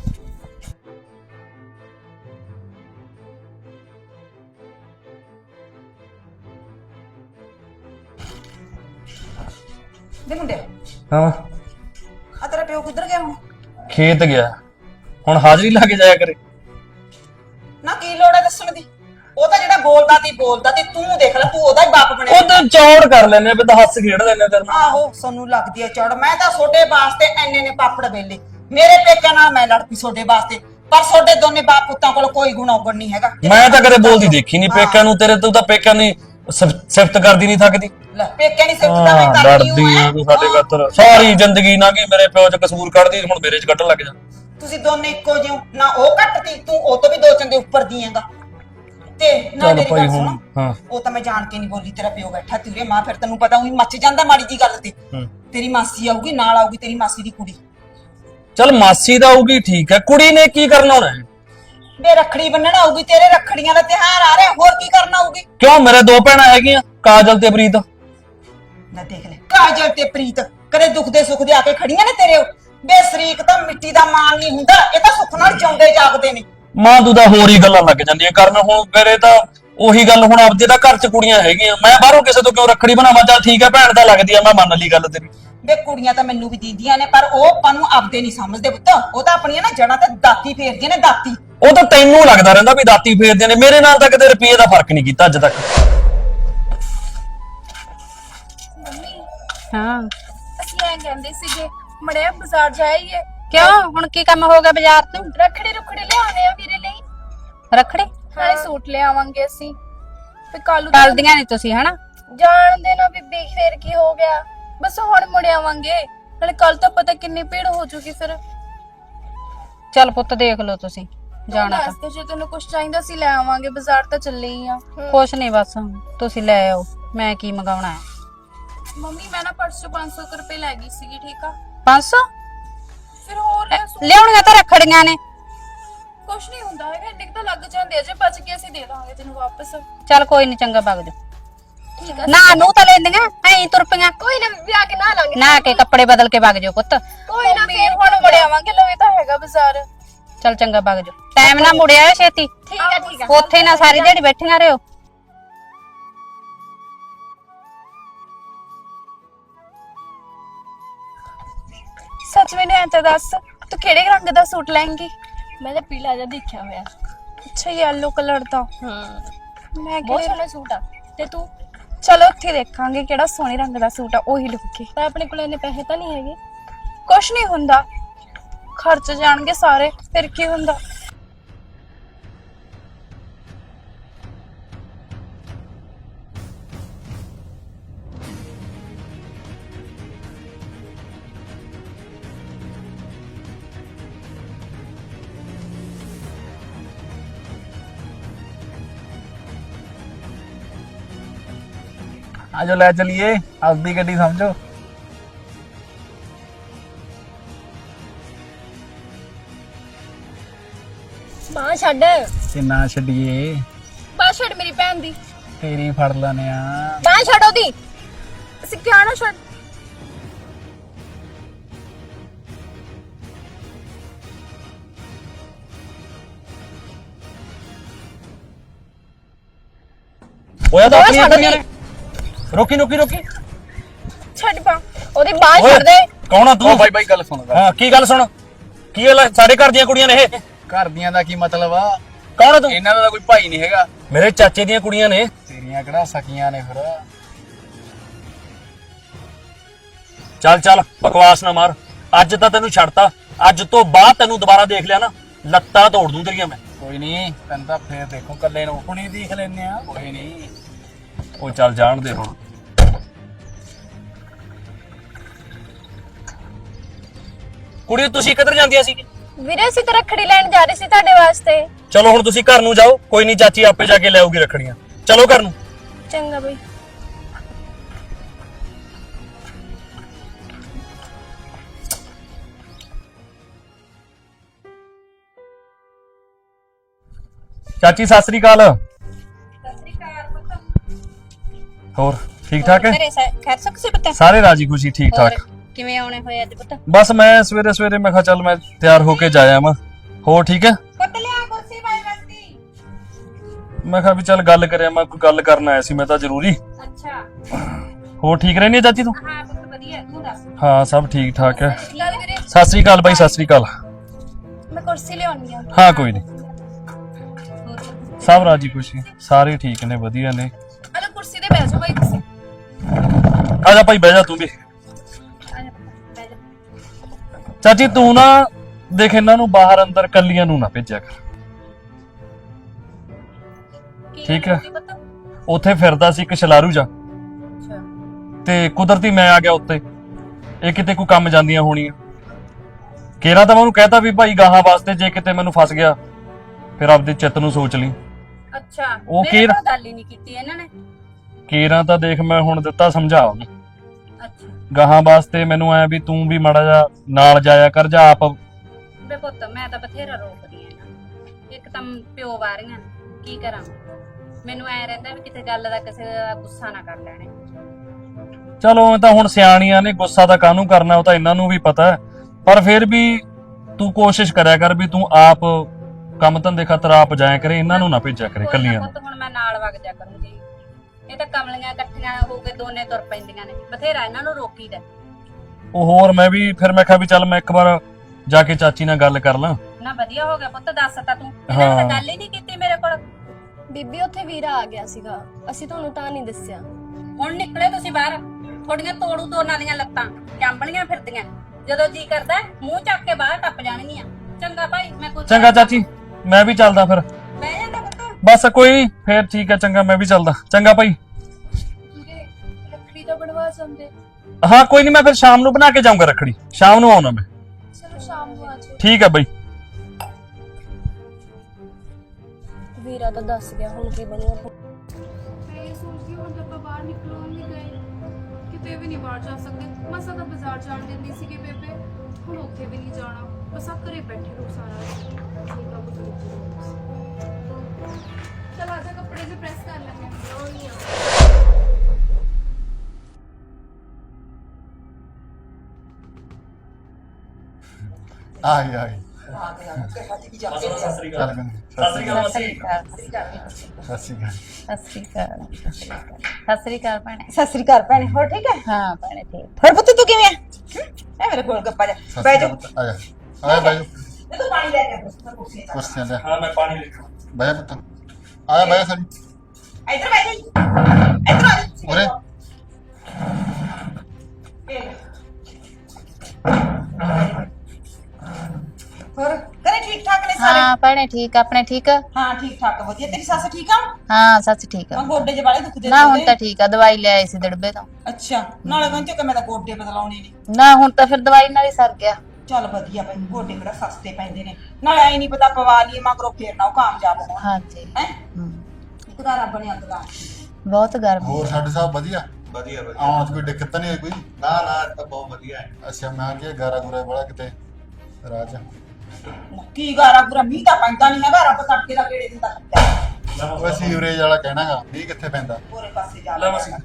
F: ਦੇ ਮੁੰਡੇ
H: ਹਾਂ
F: ਆ ਤੇਰਾ ਪਿਓ ਕਿੱਧਰ ਗਿਆ ਹੁਣ
G: ਖੇਤ ਗਿਆ ਹੁਣ ਹਾਜ਼ਰੀ ਲਾ ਕੇ ਜਾਇਆ ਕਰੇ
F: ਨਾ ਕੀ ਲੋੜ ਹੈ ਦੱਸਣ ਦੀ ਉਹ ਤਾਂ ਜਿਹੜਾ ਬੋਲਦਾ ਤੀ ਬੋਲਦਾ ਤੀ ਤੂੰ ਦੇਖ ਲੈ ਤੂੰ ਉਹਦਾ ਹੀ ਬਾਪ ਬਣਿਆ
G: ਉਹ ਤਾਂ ਚੌੜ ਕਰ ਲੈਨੇ ਵੀ ਤਾਂ ਹੱਸ ਖੇਡ ਲੈਨੇ ਤੇਰੇ ਨਾਲ
F: ਆਹੋ ਸਾਨੂੰ ਲੱਗਦੀ ਹੈ ਚੜ ਮੈਂ ਤਾਂ ਛੋਟੇ ਵਾਸਤੇ ਐਨੇ ਨੇ ਪਾਪੜ ਵੇਲੇ ਮੇਰੇ ਪੇਕਿਆਂ ਨਾਲ ਮੈਂ ਲੜਦੀ ਛੋਟੇ ਵਾਸਤੇ ਪਰ ਛੋਟੇ ਦੋਨੇ ਬਾਪ ਪੁੱਤਾਂ ਕੋਲ ਕੋਈ ਗੁਣ ਔਗਣ ਨਹੀਂ ਹੈਗਾ
G: ਮੈਂ ਤਾਂ ਕਦੇ ਬੋਲਦੀ ਦੇਖੀ ਨਹੀਂ ਪੇਕਿਆਂ ਨੂੰ ਤੇਰੇ ਤੂੰ ਤਾਂ ਪੇਕਿਆਂ ਨੇ ਸਿਫਤ ਕਰਦੀ ਨਹੀਂ ਥੱਕਦੀ
F: ਲੈ ਪੇਕਿਆਂ ਦੀ ਸਿਫਤ ਤਾਂ ਮੈਂ
G: ਹਾਂ
F: ਕਰਦੀ
G: ਲੜਦੀ
F: ਹਾਂ
G: ਆ ਤੂੰ ਸਾਡੇ ਖਾਤਰ ਸਾਰੀ ਜ਼ਿੰਦਗੀ ਨਾ ਕਿ ਮੇਰੇ ਪਿਓ ਚ ਕਸੂਰ ਕੱਢਦੀ ਹੁਣ ਮੇਰੇ ਚ ਕੱਢਣ ਲੱਗ ਜਾ
F: ਤੁਸੀਂ ਦੋਨੇ ਇੱਕੋ ਜਿਹੇ ਹੋ ਨਾ ਉਹ ਘੱਟ ਤੀ ਤੂੰ ਉਹ ਤੋਂ ਵੀ ਦੋ ਚੰਗੇ ਉੱਪਰ ਦੀ ਹੈਗਾ ਤੇ ਨਾ
G: ਚੱਲ
F: ਮੇਰੀ
G: ਭਾਈ
F: ਗੱਲ
G: ਹੁਣ,
F: ਸੁਣੋ
G: ਹਾਂ।
F: ਉਹ ਤਾਂ ਮੈਂ ਜਾਣ ਕੇ ਨਹੀਂ ਬੋਲੀ ਤੇਰਾ ਪਿਓ ਬੈਠਾ ਤੇਰੇ ਮਾਂ ਫਿਰ ਤੈਨੂੰ ਪਤਾ ਉਹੀ ਮੱਚ ਜਾਂਦਾ ਮਾੜੀ ਜੀ ਗੱਲ ਤੇ ਤੇਰੀ ਮਾਸੀ ਆਊਗੀ ਨਾਲ ਆਊਗੀ ਤੇਰੀ ਮਾਸੀ ਦੀ ਕੁੜੀ
G: ਚੱਲ ਮਾਸੀ ਦਾ ਆਊਗੀ ਠੀਕ ਹੈ ਕੁੜੀ ਨੇ ਕੀ ਕਰਨਾ ਹੋਣਾ ਹੈ?
F: ਬੇ ਰੱਖੜੀ ਬੰਨਣ ਆਊਗੀ ਤੇਰੇ ਰੱਖੜੀਆਂ ਦਾ ਤਿਉਹਾਰ ਆ ਰਿਹਾ ਹੋਰ ਕੀ ਕਰਨ ਆਊਗੀ
G: ਕਿਉਂ ਮੇਰੇ ਦੋ ਭੈਣਾਂ ਹੈਗੀਆਂ ਕਾਜਲ ਤੇ ਪ੍ਰੀਤ
F: ਲੈ ਦੇਖ ਲੈ ਕਾਜਲ ਤੇ ਪ੍ਰੀਤ ਕਦੇ ਦੁੱਖ ਦੇ ਸੁੱਖ ਦੇ ਆ ਕੇ ਖੜੀਆਂ ਨੇ ਤੇਰੇ ਬੇ ਸ਼ਰੀਕ ਤਾਂ ਮਿੱਟੀ ਦਾ ਮਾਲ ਨਹੀਂ ਹੁੰਦਾ ਇਹ ਤਾਂ ਸੁੱਖ ਨਾਲ ਜਿਉਂਦੇ ਜਾਗਦੇ ਨੇ
G: ਮਾਂ ਤੂੰ ਤਾਂ ਹੋਰ ਹੀ ਗੱਲਾਂ ਲੱਗ ਜਾਂਦੀਆਂ ਕਰਨ ਹੁਣ ਮੇਰੇ ਤਾਂ ਉਹੀ ਗੱਲ ਹੁਣ ਆਪਦੇ ਤਾਂ ਘਰ ਚ ਕੁੜੀਆਂ ਹੈਗੀਆਂ ਮੈਂ ਬਾਹਰੋਂ ਕਿਸੇ ਤੋਂ ਕਿਉਂ ਰੱਖੜੀ ਬਣਾਵਾਂ ਚੱਲ ਠੀਕ ਹੈ ਭੈਣ ਤਾਂ ਲੱਗਦੀ ਆ ਮੈਂ ਮੰਨ ਲਈ ਗੱਲ ਤੇਰੀ
F: ਬੇ ਕੁੜੀਆਂ ਤਾਂ ਮੈਨੂੰ ਵੀ ਦਿੰਦੀਆਂ ਨੇ ਪਰ ਉਹ ਆਪਾਂ ਨੂੰ ਆਪਦੇ ਨਹੀਂ ਸਮਝਦੇ ਪੁੱਤ ਉਹ ਤਾਂ ਆਪਣੀਆਂ ਨਾ ਜੜਾਂ ਤੇ ਦਾਤੀ ਫੇਰਦੀਆਂ ਨੇ ਦਾਤੀ
G: ਉਹ ਤਾਂ ਤੈਨੂੰ ਲੱਗਦਾ ਰਹਿੰਦਾ ਵੀ ਦਾਤੀ ਫੇਰਦੇ ਨੇ ਮੇਰੇ ਨਾਲ ਤਾਂ ਕਿਤੇ ਰੁਪਈਏ ਦਾ ਫਰਕ ਨਹੀਂ ਕੀਤਾ ਅੱਜ ਤੱਕ
B: ਹਾਂ
D: ਅਸੀਂ ਐਂ ਕਹਿੰਦੇ ਸੀਗੇ ਮੜਿਆ ਬਾਜ਼ਾਰ ਜਾਈਏ।
B: ਕਿਉਂ ਹੁਣ ਕੀ ਕੰਮ ਹੋ ਗਿਆ ਬਾਜ਼ਾਰ ਤੋਂ?
D: ਰੱਖੜੀ ਰੁਖੜੀ ਲਿਆਉਣੇ ਆ ਵੀਰੇ ਲਈ,
B: ਰੱਖੜੀ
D: ਨਾਲੇ ਸੂਟ ਲਿਆਵਾਂਗੇ ਅਸੀਂ। ਤੇ ਕੱਲ
B: ਟਲਦੀਆਂ ਨਹੀਂ ਤੁਸੀਂ ਹਨਾ?
D: ਜਾਣ ਦੇਣਾ ਬੀਬੀ, ਫੇਰ ਕੀ ਹੋ ਗਿਆ, ਬਸ ਹੁਣ ਮੁੜ ਆਵਾਂਗੇ। ਨਾਲੇ ਕੱਲ ਤਾਂ ਪਤਾ ਕਿੰਨੀ ਭੀੜ ਹੋ ਜੂਗੀ ਫਿਰ।
B: ਚੱਲ ਪੁੱਤ ਦੇਖ ਲਓ ਤੁਸੀਂ ਜਾਣਾ ਤਾਂ।
D: ਦੱਸ ਦੇ ਜੇ ਤੈਨੂੰ ਕੁਝ ਚਾਹੀਦਾ ਸੀ ਲੈ ਆਵਾਂਗੇ, ਬਾਜ਼ਾਰ ਤਾਂ ਚੱਲੇ ਹੀ ਆ।
B: ਕੁਛ ਨਹੀਂ ਬਸ ਤੁਸੀਂ ਲੈ ਆਓ, ਮੈਂ ਕੀ ਮੰਗਾਉਣਾ ਹੈ।
D: ਮੰਮੀ ਮੈਂ ਨਾ ਪਰਸ ਚੋਂ ਪੰਜ ਸੌ ਰੁਪਏ ਲੈ ਗਈ ਸੀਗੀ, ਠੀਕ ਆ?
B: ਪੰਜ ਸੌ
D: ਫਿਰ ਹੋਰ ਲੈ ਸੂਟ।
B: ਲਿਆਉਣੀਆਂ ਤਾਂ ਰੱਖੜੀਆਂ ਨੇ।
D: ਕੁਛ ਨਹੀਂ ਹੁੰਦਾ ਹੈਗਾ, ਇੰਨੇ ਕੁ ਤਾਂ ਲੱਗ ਜਾਂਦੇ ਆ, ਜੇ ਬਚ ਕੇ ਅਸੀਂ ਦੇ ਦਾਂਗੇ ਤੈਨੂੰ ਵਾਪਸ।
B: ਚੱਲ ਕੋਈ ਨਹੀਂ, ਚੰਗਾ ਵਗ ਜਾ।
D: ਠੀਕ ਆ
B: ਨਾ ਨੂੰ ਤਾਂ ਲੈਂਦੀਆਂ ਐਂ ਤੁਰ ਪਈਆਂ।
D: ਕੋਈ ਨਾ ਵਿਆਹ ਕੇ ਨਾ ਲਾਂਗੇ,
B: ਨਾ ਕੇ ਕੱਪੜੇ ਬਦਲ ਕੇ ਵਗ ਜਾਓ ਪੁੱਤ।
D: ਕੋਈ ਨਾ ਫੇਰ ਹੁਣ ਮੁੜ ਆਵਾਂਗੇ, ਲਵੇ ਤਾਂ ਹੈਗਾ ਬਾਜ਼ਾਰ।
B: ਚੱਲ ਚੰਗਾ ਵਗ ਜਾਓ, ਟਾਈਮ ਨਾਲ ਮੁੜਿਆ ਛੇਤੀ।
D: ਠੀਕ ਆ ਠੀਕ ਆ।
B: ਉੱਥੇ ਨਾ ਸਾਰੀ ਦਿਹਾੜੀ ਬੈਠੀਆਂ ਰਹੋ।
D: ਸੱਚ ਮੈਨੂੰ ਐਂ ਤਾਂ ਦੱਸ, ਤੂੰ ਕਿਹੜੇ ਰੰਗ ਦਾ ਸੂਟ ਲੈਂਗੀ? ਮੈਂ ਤਾਂ ਪੀਲਾ ਜਿਹਾ ਦੇਖਿਆ ਹੋਇਆ। ਅੱਛਾ ਯੈਲੋ ਕਲਰ ਦਾ। ਹਾਂ ਮੈਂ ਬਹੁਤ ਸੋਹਣਾ ਸੂਟ ਆ। ਤੇ ਤੂੰ? ਚਲੋ ਉੱਥੇ ਦੇਖਾਂਗੇ ਕਿਹੜਾ ਸੋਹਣੇ ਰੰਗ ਦਾ ਸੂਟ ਆ, ਉਹੀ ਲੁੱਕੇ। ਪਰ ਆਪਣੇ ਕੋਲ ਇੰਨੇ ਪੈਸੇ ਤਾਂ ਨਹੀਂ ਹੈਗੇ। ਕੁਛ ਨਹੀਂ ਹੁੰਦਾ, ਖਰਚ ਜਾਣਗੇ ਸਾਰੇ, ਫਿਰ ਕੀ ਹੁੰਦਾ।
H: आजो ले चलिए, आपकी गड्डी समझो।
C: ਬਾਂਹ ਛੱਡ,
H: ते ना छड़िए,
D: ਬਾਹ ਛੱਡ ਮੇਰੀ ਭੈਣ ਦੀ,
H: तेरी फड़ लेने आ।
C: ਬਾਂਹ ਛੱਡ ਉਹਦੀ।
D: ਅਸੀਂ ਕਿਹਾ ਨਾ ਛੱਡ।
G: ਹੋਇਆ ਤਾਂ ਆਪਣੀਆਂ
C: ਛੱਡ
G: ਕੁੜੀਆਂ ਨੇ। ਰੋਕੀ ਰੋਕੀ ਰੋਕੀ।
D: ਛੱਡ ਪਾ।
C: ਉਹਦੀ ਬਾਂਹ ਛੱਡ ਦੇ।
G: ਕੌਣ ਆ ਤੂੰ?
E: ਬਾਈ ਬਾਈ ਗੱਲ ਸੁਣ।
G: ਹਾਂ ਕੀ ਗੱਲ ਸੁਣ, ਕੀ ਗੱਲ ਆ? ਸਾਡੇ ਘਰ ਦੀਆਂ ਕੁੜੀਆਂ ਨੇ ਇਹ।
E: ਘਰ ਦੀਆਂ ਦਾ ਕੀ ਮਤਲਬ ਆ?
G: ਕੌਣ ਆ ਤੂੰ?
E: ਇਹਨਾਂ ਦਾ ਤਾਂ ਕੋਈ ਭਾਈ ਨਹੀਂ ਹੈਗਾ।
G: ਮੇਰੇ ਚਾਚੇ ਦੀਆਂ ਕੁੜੀਆਂ ਨੇ।
E: ਤੇਰੀਆਂ ਕਿਹੜਾ ਸਕੀਆਂ ਨੇ ਫਿਰ?
G: ਚੱਲ ਚੱਲ ਬਕਵਾਸ ਨਾ ਮਾਰ, ਅੱਜ ਤਾਂ ਤੈਨੂੰ ਛੱਡਤਾ, ਅੱਜ ਤੋਂ ਬਾਅਦ ਤੈਨੂੰ ਦੁਬਾਰਾ ਦੇਖ ਲਿਆ ਨਾ ਲੱਤਾਂ ਤੋੜ ਦੂੰ ਤੇਰੀਆਂ ਮੈਂ।
E: ਕੋਈ ਨਹੀਂ, ਤੈਨੂੰ ਤਾਂ ਫੇਰ ਦੇਖੋ ਕੱਲੇ ਨੂੰ। ਹੁਣੀ ਦੇਖ ਲੈਨੇ ਆ। ਕੋਈ ਨਹੀਂ।
G: ਉਹ ਚੱਲ ਜਾਣ ਦੇ ਹੁਣ। ਕੁੜੀ ਤੁਸੀਂ ਕਿੱਧਰ ਜਾਂਦੀਆਂ ਸੀ?
D: ਵੀਰੇ ਅਸੀਂ ਤਾਂ ਰੱਖੜੀ ਲੈਣ ਜਾ ਰਹੇ ਸੀ ਤੁਹਾਡੇ ਵਾਸਤੇ।
G: ਚਲੋ ਹੁਣ ਤੁਸੀਂ ਘਰ ਨੂੰ ਜਾਓ, ਕੋਈ ਨਹੀਂ ਚਾਚੀ ਆਪੇ ਜਾ ਕੇ ਲੈ ਆਊਗੀ ਰੱਖੜੀਆਂ। ਚਲੋ ਘਰ ਨੂੰ।
D: ਚੰਗਾ ਬਈ।
G: ਚਾਚੀ ਸਤਿ ਸ੍ਰੀ ਅਕਾਲ। ਹੋਰ ਠੀਕ ਠਾਕ ਹੈ?
B: ਘਰੇ ਸਾ- ਖੈਰ ਸਕ ਸੀ ਪੁੱਤ?
G: ਸਾਰੇ ਰਾਜੀ ਖੁਸ਼ੀ ਠੀਕ
B: ਹੋਰ
G: ਠਾਕ।
B: ਕਿਵੇਂ ਆਉਣੇ ਹੋਏ ਅੱਜ ਪੁੱਤ?
G: ਬਸ ਮੈਂ ਸਵੇਰੇ ਸਵੇਰੇ ਮੈਂ ਕਿਹਾ ਚੱਲ ਮੈਂ ਤਿਆਰ ਹੋ ਕੇ ਜਾਇਆ ਮੈਂ। ਹੋਰ ਠੀਕ ਹੈ?
B: ਪੁੱਤ ਲਿਆ ਕੁਰਸੀ ਬਾਈ ਬਸਤੀ।
G: ਮੈਂ ਕਿਹਾ ਵੀ ਚੱਲ ਗੱਲ ਕਰਿਆ, ਮੈਂ ਕੋਈ ਗੱਲ ਕਰਨ ਆਇਆ ਸੀ ਮੈਂ ਤਾਂ ਜ਼ਰੂਰੀ।
B: ਅੱਛਾ
G: ਹੋਰ ਠੀਕ ਰਹਿੰਦੀ ਹੈ ਚਾਚੀ ਤੂੰ?
B: ਹਾਂ ਪੁੱਤ ਵਧੀਆ, ਤੂੰ ਦੱਸ।
G: ਹਾਂ ਸਭ ਠੀਕ ਠਾਕ ਹੈ।
D: ਚੱਲ ਵੀਰੇ
G: ਸਤਿ ਸ੍ਰੀ ਅਕਾਲ ਬਾਈ, ਸਤਿ ਸ੍ਰੀ ਅਕਾਲ।
D: ਮੈਂ ਕੁਰਸੀ ਲਿਆਉਣੀ ਆ।
G: ਹਾਂ ਕੋਈ ਨਹੀਂ, ਸਭ ਰਾਜੀ ਖੁਸ਼ੀ, ਸਾਰੇ ਠੀਕ ਨੇ, ਵਧੀਆ ਨੇ।
D: ਅਲੇ ਕੁਰਸੀ ਤੇ ਬਹਿ ਜਾਓ ਬਾਈ ਤੁਸੀਂ।
G: ਆ ਜਾ ਭਾਈ ਬਹਿ ਜਾ ਤੂੰ ਵੀ। ਚਾਚੀ ਤੂੰ ਨਾ ਦੇਖ ਇਹਨਾਂ ਨੂੰ ਬਾਹਰ ਅੰਦਰ ਕੱਲੀਆਂ ਨੂੰ ਨਾ ਭੇਜਿਆ ਕਰ, ਠੀਕ ਹੈ? ਉੱਥੇ ਫਿਰਦਾ ਸੀ ਇੱਕ ਛਲਾਰੂ ਜਾ, ਤੇ ਕੁਦਰਤੀ ਮੈਂ ਆ ਗਿਆ ਉੱਤੇ। ਇਹ ਕਿਤੇ ਕੋਈ ਕੰਮ ਜਾਂਦੀਆਂ ਹੋਣੀਆਂ। ਕੇਰਾ ਤਾਂ ਮੈਂ ਉਹਨੂੰ ਕਹਿਤਾ ਵੀ ਭਾਈ ਗਾਹਾਂ ਵਾਸਤੇ ਜੇ ਕਿਤੇ ਮੈਨੂੰ ਫਸ ਗਿਆ ਫਿਰ ਆਪਦੇ ਚਿੱਤ ਨੂੰ ਸੋਚ ਲਈ।
B: ਅੱਛਾ
G: ਉਹ
B: ਮੇਰੇ
G: ਕੀਰ-
B: ਨਾਲ ਗੱਲ ਹੀ ਨਹੀਂ ਕੀਤੀ ਇਹਨਾਂ ਨੇ।
G: ਕੇਰਾ ਤਾਂ ਦੇਖ ਮੈਂ ਹੁਣ ਦਿੱਤਾ ਸਮਝਾ ਉਹਨੂੰ
B: ਅੱਛਾ
G: ਗਾਹਾਂ ਵਾਸਤੇ। ਮੈਨੂੰ ਐ ਵੀ ਤੂੰ ਵੀ ਮਾੜਾ ਜਾ ਨਾਲ ਜਾਇਆ ਕਰ, ਜਾਂ ਆਪ।
B: ਬੇ ਪੁੱਤ ਮੈਂ ਤਾਂ ਬਥੇਰਾ ਰੋਕਦੀ ਆ ਨਾ, ਇੱਕ ਤਾਂ ਪਿਓ ਵਾਰੀਆਂ ਨੇ, ਕੀ ਕਰਾਂ? ਮੈਨੂੰ ਐ ਰਹਿੰਦਾ ਵੀ ਕਿਤੇ ਗੱਲ ਦਾ ਕਿਸੇ ਦਾ ਗੁੱਸਾ ਨਾ ਕਰ ਲੈਣੇ।
G: ਚਲੋ ਇਹ ਤਾਂ ਹੁਣ ਸਿਆਣੀਆਂ ਨੇ, ਗੁੱਸਾ ਤਾਂ ਕਾਹਨੂੰ ਕਰਨਾ, ਉਹ ਤਾਂ ਇਹਨਾਂ ਨੂੰ ਵੀ ਪਤਾ ਹੈ। ਪਰ ਫਿਰ ਵੀ ਤੂੰ ਕੋਸ਼ਿਸ਼ ਕਰਿਆ ਕਰ ਵੀ ਤੂੰ ਆਪ ਕੰਮ ਧੰਦੇ ਖਾਤਰ ਆਪ ਜਾਇਆ ਕਰੇ, ਇਹਨਾਂ ਨੂੰ ਨਾ ਭੇਜਿਆ ਕਰੇ
B: ਕੋਈ
G: ਕੱਲੀਆਂ
B: ਨਾ
G: ਨੂੰ।
B: ਪੁੱਤ ਹੁਣ ਮੈਂ ਨਾਲ ਵਗ ਜਾ ਕਰੂੰਗੀ। ਇਹ ਤਾਂ ਕਮਲੀਆਂ ਇਕੱਠੀਆਂ ਹੋ ਕੇ ਦੋਨੇ ਤੁਰ ਪੈਂਦੀਆਂ ਨੇ, ਬਥੇਰਾ ਇਹਨਾਂ ਨੂੰ ਰੋਕੀਦਾ।
G: ਉਹ ਹੋਰ ਮੈਂ ਵੀ ਫਿਰ ਮੈਂ ਕਿਹਾ ਵੀ ਚੱਲ ਮੈਂ ਇੱਕ ਵਾਰ ਜਾ ਕੇ ਚਾਚੀ ਨਾਲ ਗੱਲ ਕਰ ਲਾਂ।
B: ਨਾ ਵਧੀਆ ਹੋ ਗਿਆ ਪੁੱਤ, ਦੱਸ ਤਾ ਤੂੰ। ਇਹਨਾਂ ਨੇ ਤਾਂ ਗੱਲ ਹੀ ਨਹੀਂ ਕੀਤੀ ਮੇਰੇ ਕੋਲ।
C: ਬੀਬੀ ਉੱਥੇ ਵੀਰਾ ਆ ਗਿਆ ਸੀਗਾ, ਅਸੀਂ ਤੁਹਾਨੂੰ ਤਾਂ ਨਹੀਂ ਦੱਸਿਆ।
B: ਹੁਣ ਨਿਕਲੇ ਤੁਸੀਂ ਬਾਹਰ, ਥੋੜੀਆਂ ਤੋੜੂ ਦੋਨਾਂ ਦੀਆਂ ਲੱਤਾਂ ਚੰਬਲੀਆਂ ਫਿਰਦੀਆਂ ਜਦੋਂ ਜੀ ਕਰਦਾ ਮੂੰਹ ਚੱਕ ਕੇ ਬਾਹਰ ਟੱਪ ਜਾਣਗੀਆਂ। ਚੰਗਾ ਭਾਈ ਮੈਂ ਕੁਝ
G: ਚੰਗਾ ਚਾਚੀ ਮੈਂ ਵੀ ਚੱਲਦਾ ਫਿਰ।
B: ਬਹਿ ਜਾਂਦਾ ਪੁੱਤ।
G: ਬਸ ਕੋਈ ਨੀ, ਫੇਰ ਠੀਕ ਹੈ ਚੰਗਾ ਮੈਂ ਵੀ ਚੱਲਦਾ। ਚੰਗਾ ਭਾਈ।
D: ਵੀਰੇ ਰੱਖੜੀ ਤਾਂ ਬਣਵਾ ਜਾਂਦੇ।
G: ਹਾਂ ਕੋਈ ਨਹੀਂ, ਮੈਂ ਫਿਰ ਸ਼ਾਮ ਨੂੰ ਬਣਾ ਕੇ ਜਾਊਂਗਾ ਰੱਖੜੀ। ਸ਼ਾਮ ਨੂੰ ਆਉਣਾ ਮੈਂ।
D: ਚਲੋ ਸ਼ਾਮ ਨੂੰ ਆ ਜਾਓ।
G: ਠੀਕ ਹੈ ਬਈ।
C: ਵੀਰਾ ਤਾਂ ਦੱਸ ਗਿਆ, ਹੁਣ ਕੀ ਬਣੂਗਾ।
D: ਮੈਂ ਇਹ ਸੋਚਦੀ ਹਾਂ ਹੁਣ ਤਾਂ ਆਪਾਂ ਬਾਹਰ ਨਿਕਲੋਂ ਨਹੀਂ ਗਏ, ਕਿਤੇ ਵੀ ਨਹੀਂ ਬਾਹਰ ਜਾ ਸਕਦੇ। ਮਸਾਂ ਤਾਂ ਬਾਜ਼ਾਰ ਜਾਣ ਦਿੰਦੀ ਸੀਗੀ ਬੇਬੇ, ਹੁਣ ਉੱਥੇ ਵੀ ਨਹੀਂ ਜਾਣਾ। ਬਸ ਆ ਘਰੇ ਬੈਠੇ ਰਹੋ ਸਾਰਾ ਦਿਨ। ਠੀਕ ਆ ਪੁੱਤ। ਚਲ ਆ ਜਾ ਕੱਪੜੇ ਵੀ ਪ੍ਰੈਸ ਕਰ ਲੈਂਦੇ ਹਾਂ। ਉਹ ਨਹੀਂ ਆ
E: ਆ ਗਈ ਆ ਗਈ ਚੱਲ
G: ਸ੍ਰੀ
E: ਚੱਲ ਗੰਦੀ ਸਤਿ ਸ਼੍ਰੀ ਅਕਾਲ
B: ਸਤਿ ਸ੍ਰੀ ਅਕਾਲ।
E: ਸਤਿ ਸ਼੍ਰੀ ਅਕਾਲ
B: ਸਤਿ ਸ੍ਰੀ ਅਕਾਲ। ਸਤਿ ਸ੍ਰੀ ਅਕਾਲ ਭੈਣੇ।
F: ਸਤਿ ਸ੍ਰੀ ਅਕਾਲ ਭੈਣੇ, ਹੋਰ ਠੀਕ ਹੈ?
B: ਹਾਂ ਭੈਣੇ ਠੀਕ।
F: ਹੋਰ ਪੁੱਤ ਤੂੰ ਕਿਵੇਂ ਹੈ? ਐ ਮੇਰੇ ਕੋਲ ਗੱਪਾ ਜਾ
E: ਸਤਿ
F: ਬਹਿ
E: ਸ਼੍ਰੀ
F: ਜਾ।
E: ਅਕਾਲ ਆ ਜਾ ਆ ਜਾ ਬਹਿ ਜਾ
F: ਤੇ ਤੂੰ ਪਾਣੀ ਲੈ ਕੇ ਆ ਪੁੱਤ ਕੁਰਸੀ ਤੇ।
E: ਕੁਰਸੀਆਂ ਲੈ
G: ਹਾਂ ਮੈਂ ਪਾਣੀ ਲੈ ਕੇ
E: ਬਹਿ ਜਾ ਪੁੱਤ ਆ ਜਾ ਬਹਿ ਜਾ ਸਾਡੀ
F: ਇੱਧਰ ਬਹਿ ਜਾ ਇੱਧਰ ਆ ਜਾ।
E: ਉਰੇ
F: ਇਹ ਲੈ। ਹੋਰ ਘਰੇ ਠੀਕ ਠਾਕ ਨੇ ਸਾਰੇ?
B: ਹਾਂ ਭੈਣੇ ਠੀਕ। ਆਪਣੇ ਠੀਕ?
F: ਹਾਂ ਠੀਕ ਠਾਕ ਵਧੀਆ। ਤੇਰੀ ਸੱਸ ਠੀਕ ਆ?
B: ਹਾਂ ਸੱਚ ਠੀਕ
F: ਮੈਂ
B: ਆ।
F: ਗੋਡੇ ਜਿਹੇ ਵਾਲੇ ਦੁਖਦੇ
B: ਨਾ ਹੁਣ
F: ਸੀ
B: ਤਾਂ ਠੀਕ ਆ, ਦਵਾਈ ਲੈ ਆਈ ਸੀ ਦੜਬੇ ਤੋਂ।
F: ਅੱਛਾ ਨਾਲੇ ਕਹਿੰਦੇ ਕਿ ਮੈਂ ਤਾਂ ਗੋਡੇ ਬਦਲਾਉਣੇ ਨੇ।
B: ਨਾ ਹੁਣ ਤਾਂ ਫਿਰ ਦਵਾਈ ਨਾਲ ਹੀ ਸਰ ਗਿਆ।
F: ਚੱਲ ਵਧੀਆ ਭਾਈ, ਗੋਡੇ ਕਿਹੜਾ ਸਸਤੇ ਪੈਂਦੇ ਨੇ। ਨਾਲੇ ਐ ਨਹੀਂ ਪਤਾ ਪਵਾ ਲਈਏ ਮਗਰੋਂ ਫੇਰ ਨਾ ਉਹ ਕਾਮਯਾਬ ਹੋਣ।
B: ਹਾਂਜੀ।
F: ਹੈ
B: ਹਮ,
F: ਇੱਕ ਤਾਂ ਰੱਬ ਨੇ ਅੱਗ ਲਾ
B: ਬਹੁਤ ਗਰਮੀ।
E: ਹੋਰ ਸਾਡੇ ਸਾਹਿਬ ਵਧੀਆ
I: ਵਧੀਆ ਵਧੀਆ
E: ਆਉਣ ਚ ਕੋਈ ਦਿੱਕਤ ਤਾਂ ਨਹੀਂ ਆਈ ਕੋਈ?
I: ਨਾ ਨਾ ਇਹ ਤਾਂ ਬਹੁਤ ਵਧੀਆ ਹੈ।
E: ਅੱਛਾ ਮੈਂ ਕਿਹਾ ਗਾਰਾ ਗੁਰਾ ਬੜਾ ਕਿਤੇ ਰਾਜ
F: ਕੀ ਗਾਰਾ ਪੂਰਾ ਮੀਂਹ ਤਾਂ ਪੈਂਦਾ ਨਹੀਂ ਹੈਗਾ। ਰੱਬ ਤੜਕੇ ਦਾ ਗੇੜੇ ਦਿੰਦਾ ਫਿਰਦਾ।
E: ਉਹ ਸੀਵਰੇਜ ਵਾਲਾ ਕਹਿਣਾਗਾ ਮੀਂਹ ਕਿੱਥੇ ਪੈਂਦਾ
F: ਪੂਰੇ ਪਾਸੇ ਜਾ
G: ਲੈ ਮਾਸੀ।